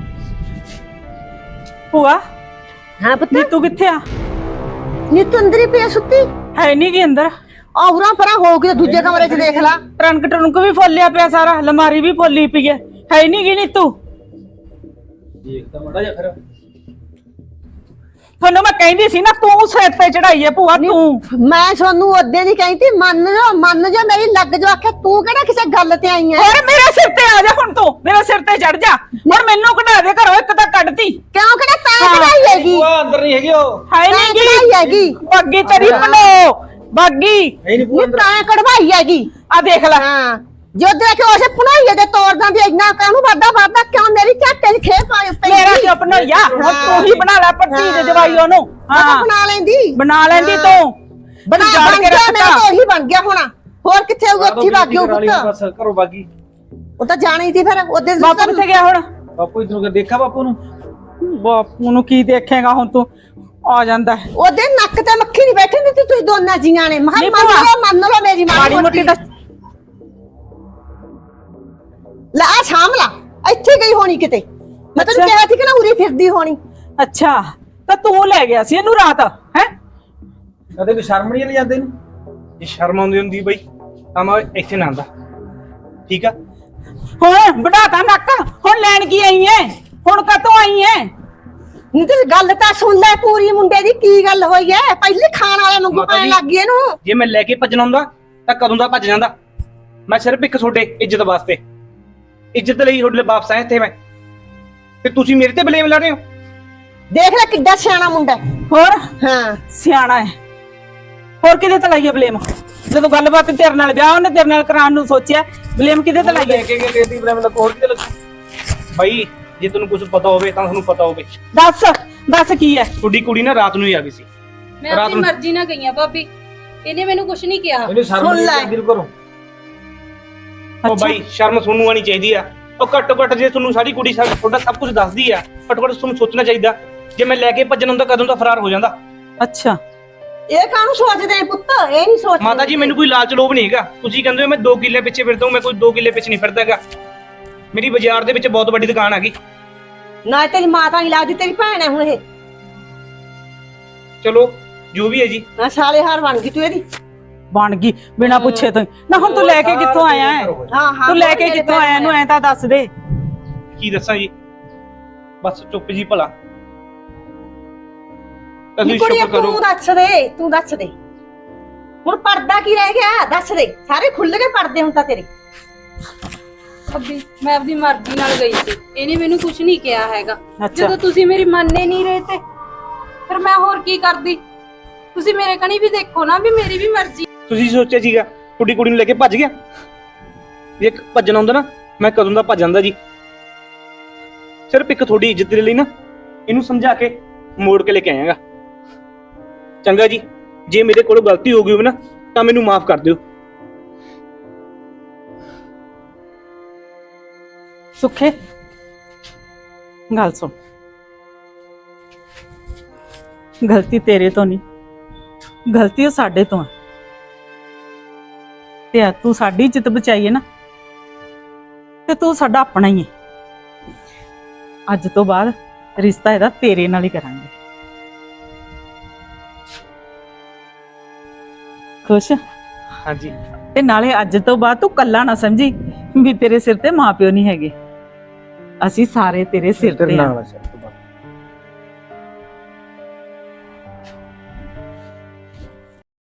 Speaker 1: ਭੂਆ
Speaker 4: ਹਾਂ ਪੁੱਤ
Speaker 1: ਨੀਤੂ ਕਿੱਥੇ ਆ?
Speaker 4: ਨੀ ਤੂੰ ਅੰਦਰ ਹੀ ਪਿਆ ਸੁੱਤੀ?
Speaker 1: ਹੈ ਨਹੀਂ ਗੀ ਅੰਦਰ।
Speaker 4: ਆਉਰਾ ਪਰਾਂ ਹੋ ਕੇ ਦੂਜੇ ਕਮਰੇ 'ਚ ਦੇਖ ਲਾ।
Speaker 1: ਟਰੰਕ ਟਰੰਕ ਵੀ ਫੋਲਿਆ ਪਿਆ ਸਾਰਾ, ਅਲਮਾਰੀ ਵੀ ਫੋਲੀ ਪਈ ਹੈ। ਹੈ ਨਹੀਂ ਗੀ ਨੀਤੂ।
Speaker 3: ਦੇਖ ਤਾਂ ਮੜਾ ਜਾ ਫਿਰ।
Speaker 1: ਤੁਹਾਨੂੰ ਮੈਂ ਕਹਿੰਦੀ ਸੀ ਨਾ, ਤੂੰ ਸਿਰ ਤੇ ਚੜਾਈ ਹੈ ਭੂਆ ਤੂੰ।
Speaker 4: ਮੈਂ ਤੁਹਾਨੂੰ ਉਹਦੇ ਦੀ ਕਹਿੰਦੀ ਮੰਨ ਜਾ ਮੰਨ ਜਾ, ਮੇਰੀ ਲੱਗ ਜਾ ਆਖੇ ਤੂੰ ਕਿਹੜਾ ਕਿਸੇ ਗੱਲ ਤੇ ਆਈ ਐ?
Speaker 1: ਹੋਰ ਮੇਰੇ ਸਿਰ ਤੇ ਆ ਜਾ ਹੁਣ, ਤੂੰ ਮੇਰੇ ਸਿਰ ਤੇ ਚੜ ਜਾ। ਹੁਣ ਮੈਨੂੰ ਕਢਾ ਦੇ ਘਰੋਂ, ਇੱਕ ਤਾਂ ਕੱਢਤੀ।
Speaker 4: ਕਿਉਂ ਕਿਹੜਾ ਤਾਂ ਕਢਾਈ ਹੈਗੀ?
Speaker 3: ਭੂਆ ਅੰਦਰ ਨਹੀਂ ਹੈਗੀ ਉਹ।
Speaker 1: ਹੈ
Speaker 4: ਤਾਂ
Speaker 1: ਨਹੀਂ
Speaker 4: ਕਢਾਈ
Speaker 1: ਗੀ
Speaker 4: ਹੈਗੀ।
Speaker 1: ਬੱਗੀ ਤੇਰੀ ਬਣੋ ਬੱਗੀ।
Speaker 3: ਹੈ ਨਹੀਂ ਭੂਆ
Speaker 4: ਨੀ
Speaker 3: ਅੰਦਰ।
Speaker 4: ਤਾਂ ਕਢਵਾਈ ਹੈਗੀ।
Speaker 1: ਆ ਦੇਖ ਲੈ।
Speaker 4: ਹਾਂ ਜੋ ਦੇਖੇ ਉਸੇ ਪੁਣਾਈਏ ਦੇ ਤੋੜਦਾਂ ਦੀ ਇੰਨਾ ਕਾਹਨੂੰ ਵਾਦਾ ਵਾਦਾ ਕਿਉਂ ਮੇਰੀ ਝੱਟੇ 'ਚ ਖੇਪ ਆਈ ਪਈ?
Speaker 1: ਮੇਰਾ ਕਿਉਂ ਬਣਾਇਆ? ਹੁਣ ਤੂੰ ਹੀ ਬਣਾ ਲੈ ਪੱਟੀ ਦੇ ਜਵਾਈ ਉਹਨੂੰ।
Speaker 4: ਹਾਂ ਬਣਾ ਲੈਂਦੀ,
Speaker 1: ਬਣਾ ਲੈਂਦੀ ਤੂੰ।
Speaker 4: ਬਣਾ
Speaker 1: ਤੂੰ ਜਾਣ
Speaker 4: ਬਣ
Speaker 1: ਕੇ
Speaker 4: ਗਿਆ,
Speaker 1: ਰੱਖਤਾ।
Speaker 4: ਮੇਰਾ ਤਾਂ ਉਹੀ ਬਣ ਗਿਆ ਹੋਣਾ। ਹੋਰ ਕਿੱਥੇ ਉਹ ਉੱਥੇ ਵਗ ਗਿਆ ਪੁੱਤ?
Speaker 3: ਬਸ ਘਰੋਂ ਬਾਗੀ।
Speaker 4: ਉਹ ਤਾਂ ਜਾਣੀ ਸੀ ਫਿਰ ਉਹਦੇ
Speaker 1: ਬਾਪੂ ਕਿੱਥੇ ਗਿਆ ਹੁਣ?
Speaker 3: ਬਾਪੂ ਇਧਰੋਂ ਕੇ ਦੇਖਾ ਬਾਪੂ ਨੂੰ।
Speaker 1: ਬਾਪੂ ਨੂੰ ਕੀ ਦੇਖੇਗਾ ਹੁਣ ਤੂੰ? ਆ ਜਾਂਦਾ ਹੈ।
Speaker 4: ਉਹਦੇ ਨੱਕ ਤੇ ਮੱਖੀ ਨਹੀਂ ਬੈਠੀ ਹੁੰਦੀ, ਤੁਸੀਂ ਦੋਨਾਂ ਜੀਆਂ ਨੇ। ਮਹਾਂ
Speaker 1: ਨਹੀਂ
Speaker 4: ਮੰਨ
Speaker 1: ਭੂਆ।
Speaker 4: ਲਓ ਮੰਨ ਲਓ ਮੇਰੀ
Speaker 1: ਮਾੜੀ ਮੋਟੀ ਤਾਂ
Speaker 4: ਲੈ ਆ ਸ਼ਾਮ ਲਾ ਇੱਥੇ ਗਈ ਹੋਣੀ ਕਿਤੇ। ਮੈਂ ਤੈਨੂੰ
Speaker 1: ਅੱਛਾ।
Speaker 4: ਕਿਹਾ ਸੀ ਕਿ ਨਾ ਉਰੀ ਫਿਰਦੀ ਹੋਣੀ।
Speaker 1: ਅੱਛਾ ਤਾਂ ਤੂੰ ਲੈ ਗਿਆ ਸੀ ਇਹਨੂੰ ਰਾਤ ਹੈ?
Speaker 3: ਕਦੇ ਕੋਈ ਸ਼ਰਮ ਨਹੀਂ ਜਾਂਦੇ ਇਹਨੂੰ।
Speaker 6: ਜੇ ਸ਼ਰਮ ਆਉਂਦੀ ਹੁੰਦੀ ਬਈ ਤਾਂ ਮੈਂ ਇੱਥੇ ਨਾ ਆਂਦਾ। ਠੀਕ ਆ।
Speaker 1: ਹੁਣ ਵਡਾਤਾ ਨੱਕ, ਹੁਣ ਲੈਣ ਕੀ ਆਈ ਐ? ਹੁਣ ਕਦੋਂ ਆਈ ਐ?
Speaker 4: ਨਹੀਂ ਤੇ ਗੱਲ ਤਾਂ ਸੁਣ ਲੈ ਪੂਰੀ, ਮੁੰਡੇ ਦੀ ਕੀ ਗੱਲ ਹੋਈ ਐ? ਪਹਿਲੇ ਖਾਣ ਵਾਲੇ ਨੂੰ
Speaker 6: ਮਾਤਾ
Speaker 4: ਪੈਣ
Speaker 6: ਜੀ।
Speaker 4: ਲੱਗ ਗਈ ਇਹਨੂੰ।
Speaker 6: ਜੇ ਮੈਂ ਲੈ ਕੇ ਭੱਜਣਾ ਹੁੰਦਾ ਤਾਂ ਕਦੋਂ ਦਾ ਭੱਜ ਜਾਂਦਾ। ਮੈਂ ਸਿਰਫ ਇੱਕ ਤੁਹਾਡੇ ਇੱਜ਼ਤ ਵਾਸਤੇ, ਇੱਜ਼ਤ ਲਈ ਤੁਹਾਡੇ ਲਈ ਵਾਪਸ ਆਇਆ ਇੱਥੇ ਮੈਂ, ਤੇ ਤੁਸੀਂ ਮੇਰੇ ਤੇ ਬਲੇਮ ਲਾ ਰਹੇ ਹੋ।
Speaker 4: ਦੇਖ ਲੈ ਕਿੱਡਾ ਸਿਆਣਾ ਮੁੰਡਾ ਹੈ।
Speaker 1: ਹੋਰ
Speaker 4: ਹਾਂ
Speaker 1: ਸਿਆਣਾ ਹੈ। ਹੋਰ ਕਿਹਦੇ ਤੇ ਲਾਈਏ ਬਲੇਮ? ਜਦੋਂ ਗੱਲਬਾਤ ਤੇਰੇ ਨਾਲ ਵਿਆਹ ਉਹਨੇ ਤੇਰੇ ਨਾਲ ਕਰਾਉਣ ਨੂੰ ਸੋਚਿਆ, ਬਲੇਮ ਕਿਹਦੇ ਤੇ
Speaker 3: ਲੈ
Speaker 1: ਲਾਈਏ?
Speaker 3: ਕੇ ਗਏ ਲੇਡੀ ਬ੍ਰਹਮ ਦਾ ਕੋਰ ਕਿਤੇ ਲੱਗੂ।
Speaker 6: ਬਾਈ ਜੇ ਤੁਹਾਨੂੰ ਕੁਝ ਪਤਾ ਹੋਵੇ ਤਾਂ ਤੁਹਾਨੂੰ ਪਤਾ ਹੋਵੇ।
Speaker 1: ਦੱਸ ਦੱਸ ਕੀ ਹੈ?
Speaker 6: ਤੁਹਾਡੀ ਕੁੜੀ ਨਾ ਰਾਤ ਨੂੰ ਹੀ ਆ ਗਈ ਸੀ।
Speaker 2: ਮੈਂ
Speaker 6: ਰਾਤ
Speaker 2: ਆਪਣੀ
Speaker 6: ਨੂੰ-
Speaker 2: ਮਰਜ਼ੀ ਨਾਲ ਗਈ ਆ ਭਾਬੀ, ਇਹਨੇ ਮੈਨੂੰ ਕੁਝ ਨਹੀਂ ਕਿਹਾ।
Speaker 3: ਇਹਨੂੰ ਸ਼ਰਮ
Speaker 4: ਸੁਣ
Speaker 3: ਨਹੀਂ
Speaker 4: ਲੈ।
Speaker 3: ਆਉਂਦੀ ਘਰੋਂ।
Speaker 6: ਉਹ ਬਾਈ ਸ਼ਰਮ ਤੁਹਾਨੂੰ ਆਣੀ ਚਾਹੀਦੀ ਆ। ਉਹ ਘੱਟੋ ਘੱਟ ਜੇ ਤੁਹਾਨੂੰ ਸਾਡੀ ਕੁੜੀ ਸਾ- ਤੁਹਾਡਾ ਸਭ ਕੁਝ ਦੱਸਦੀ ਆ, ਘੱਟੋ ਘੱਟ ਤੁਹਾਨੂੰ ਸੋਚਣਾ ਚਾਹੀਦਾ। ਜੇ ਮੈਂ ਲੈ ਕੇ ਭੱਜਣ ਹੁੰਦਾ ਕਦੋਂ ਦਾ ਫਰਾਰ ਹੋ ਜਾਂਦਾ।
Speaker 1: ਅੱਛਾ
Speaker 4: ਇਹ ਕਾਹਨੂੰ ਸੋਚਦੇ ਨੇ ਪੁੱਤ? ਇਹ ਨਹੀਂ ਸੋਚਦੇ।
Speaker 6: ਮਾਤਾ ਜੀ ਮੈਨੂੰ ਕੋਈ ਲਾਲਚ ਲੋਭ ਨਹੀਂ ਹੈਗਾ। ਤੁਸੀਂ ਕਹਿੰਦੇ ਹੋ ਮੈਂ ਦੋ ਕਿੱਲੇ ਪਿੱਛੇ ਫਿਰਦਾ ਹਾਂ, ਮੈਂ ਕੋਈ ਦੋ ਕਿੱਲੇ ਪਿੱਛੇ ਨਹੀਂ ਫਿਰਦਾ ਹੈਗਾ। ਮੇਰੀ ਬਾਜ਼ਾਰ ਦੇ ਵਿੱਚ ਬਹੁਤ ਵੱਡੀ ਦੁਕਾਨ ਹੈਗੀ।
Speaker 4: ਨਾ ਤੇਰੀ ਮਾਤਾ ਨਹੀਂ ਲੱਗਦੀ, ਤੇਰੀ ਭੈਣ ਹੈ ਹੁਣ ਇਹ।
Speaker 6: ਚਲੋ ਜੋ ਵੀ ਹੈ ਜੀ।
Speaker 4: ਨਾ ਸਾਲੇ ਹਾਰ ਬਣ ਗਈ ਤੂੰ ਇਹਦੀ।
Speaker 1: ਬਣ ਗਈ ਬਿਨਾਂ ਪੁੱਛੇ ਤੋਂ ਹੀ। ਨਾ ਹੁਣ ਤੂੰ ਲੈ ਕੇ ਕਿੱਥੋਂ ਆਇਆ ਹੈ?
Speaker 4: ਹਾਂ ਹਾਂ
Speaker 1: ਤੂੰ ਲੈ ਕੇ ਕਿੱਥੋਂ ਆਇਆ ਇਹਨੂੰ? ਐ ਤਾਂ ਦੱਸ ਦੇ।
Speaker 6: ਕੀ ਦੱਸਾਂ ਜੀ, ਬਸ ਚੁੱਪ ਜੀ ਭਲਾ।
Speaker 4: ਨੀ
Speaker 6: ਤੁਸੀਂ
Speaker 4: ਕੁੜੀਏ
Speaker 6: ਸ਼ੁਕਰ ਕਰੋ।
Speaker 4: ਤੂੰ ਦੱਸ ਦੇ, ਤੂੰ ਦੱਸ ਦੇ ਹੁਣ ਪਰਦਾ ਕੀ ਰਹਿ ਗਿਆ? ਦੱਸ ਦੇ। ਸਾਰੇ ਖੁੱਲ ਕੇ ਪਰਦੇ ਹੁਣ ਤਾਂ ਤੇਰੇ।
Speaker 2: ਭਾਬੀ ਮੈਂ ਆਪਣੀ ਮਰਜ਼ੀ ਨਾਲ ਗਈ ਸੀ, ਇਹਨੇ ਮੈਨੂੰ ਕੁਝ ਨਹੀਂ ਕਿਹਾ ਹੈਗਾ।
Speaker 1: ਅੱਛਾ।
Speaker 2: ਜਦੋਂ ਤੁਸੀਂ ਮੇਰੀ ਮੰਨੇ ਨਹੀਂ ਰਹੇ ਤੇ ਫਿਰ ਮੈਂ ਹੋਰ ਕੀ ਕਰਦੀ? ਤੁਸੀਂ ਮੇਰੇ ਕਣੀ ਵੀ ਦੇਖੋ ਨਾ, ਵੀ ਮੇਰੀ ਵੀ ਮਰਜ਼ੀ।
Speaker 6: ਤੁਸੀਂ ਸੋਚਿਆ ਸੀਗਾ ਕੁੜੀ ਕੁੜੀ ਨੂੰ ਲੈ ਕੇ ਭੱਜ ਗਿਆ? ਜੇ ਇੱਕ ਭੱਜਣਾ ਹੁੰਦਾ ਨਾ ਮੈਂ ਕਦੋਂ ਦਾ ਭੱਜ ਜਾਂਦਾ ਜੀ। ਸਿਰਫ ਇੱਕ ਤੁਹਾਡੀ ਇੱਜ਼ਤ ਦੇ ਲਈ ਨਾ ਇਹਨੂੰ ਸਮਝਾ ਕੇ ਮੋੜ ਕੇ ਲੈ ਕੇ ਆਇਆਗਾ। ਚੰਗਾ ਜੀ, ਜੇ ਮੇਰੇ ਕੋਲੋਂ ਗਲਤੀ ਹੋ ਗਈ ਹੋਵੇ ਨਾ ਤਾਂ ਮੈਨੂੰ ਮਾਫ ਕਰ ਦਿਓ।
Speaker 1: ਸੁੱਖੇ ਗੱਲ ਸੁਣ, ਗਲਤੀ ਤੇਰੇ ਤੋਂ ਨਹੀਂ, ਗਲਤੀ ਉਹ ਸਾਡੇ ਤੋਂ ਹੈ। ਤੇ ਆ ਤੂੰ ਸਾਡੀ ਇੱਜ਼ਤ ਬਚਾਈ ਹੈ ਨਾ, ਤੇ ਤੂੰ ਸਾਡਾ ਆਪਣਾ ਹੀ ਹੈ। ਅੱਜ ਤੋਂ ਬਾਅਦ ਰਿਸ਼ਤਾ ਇਹਦਾ ਤੇਰੇ ਨਾਲ ਹੀ ਕਰਾਂਗੇ। ਖੁਸ਼?
Speaker 6: ਹਾਂਜੀ।
Speaker 1: ਤੇ ਨਾਲੇ ਅੱਜ ਤੋਂ ਬਾਅਦ ਤੂੰ ਕੱਲਾ ਨਾ ਸਮਝੀ ਵੀ ਤੇਰੇ ਸਿਰ ਤੇ ਮਾਪਿਓ ਨਹੀਂ ਹੈਗੇ, ਅਸੀਂ ਸਾਰੇ ਤੇਰੇ ਸਿਰ
Speaker 3: ਤੇਰੇ
Speaker 1: ਤੇ ਆ।
Speaker 3: ਨਾਲ ਆ ਸਿਰ ਤੋਂ ਬਾਅਦ।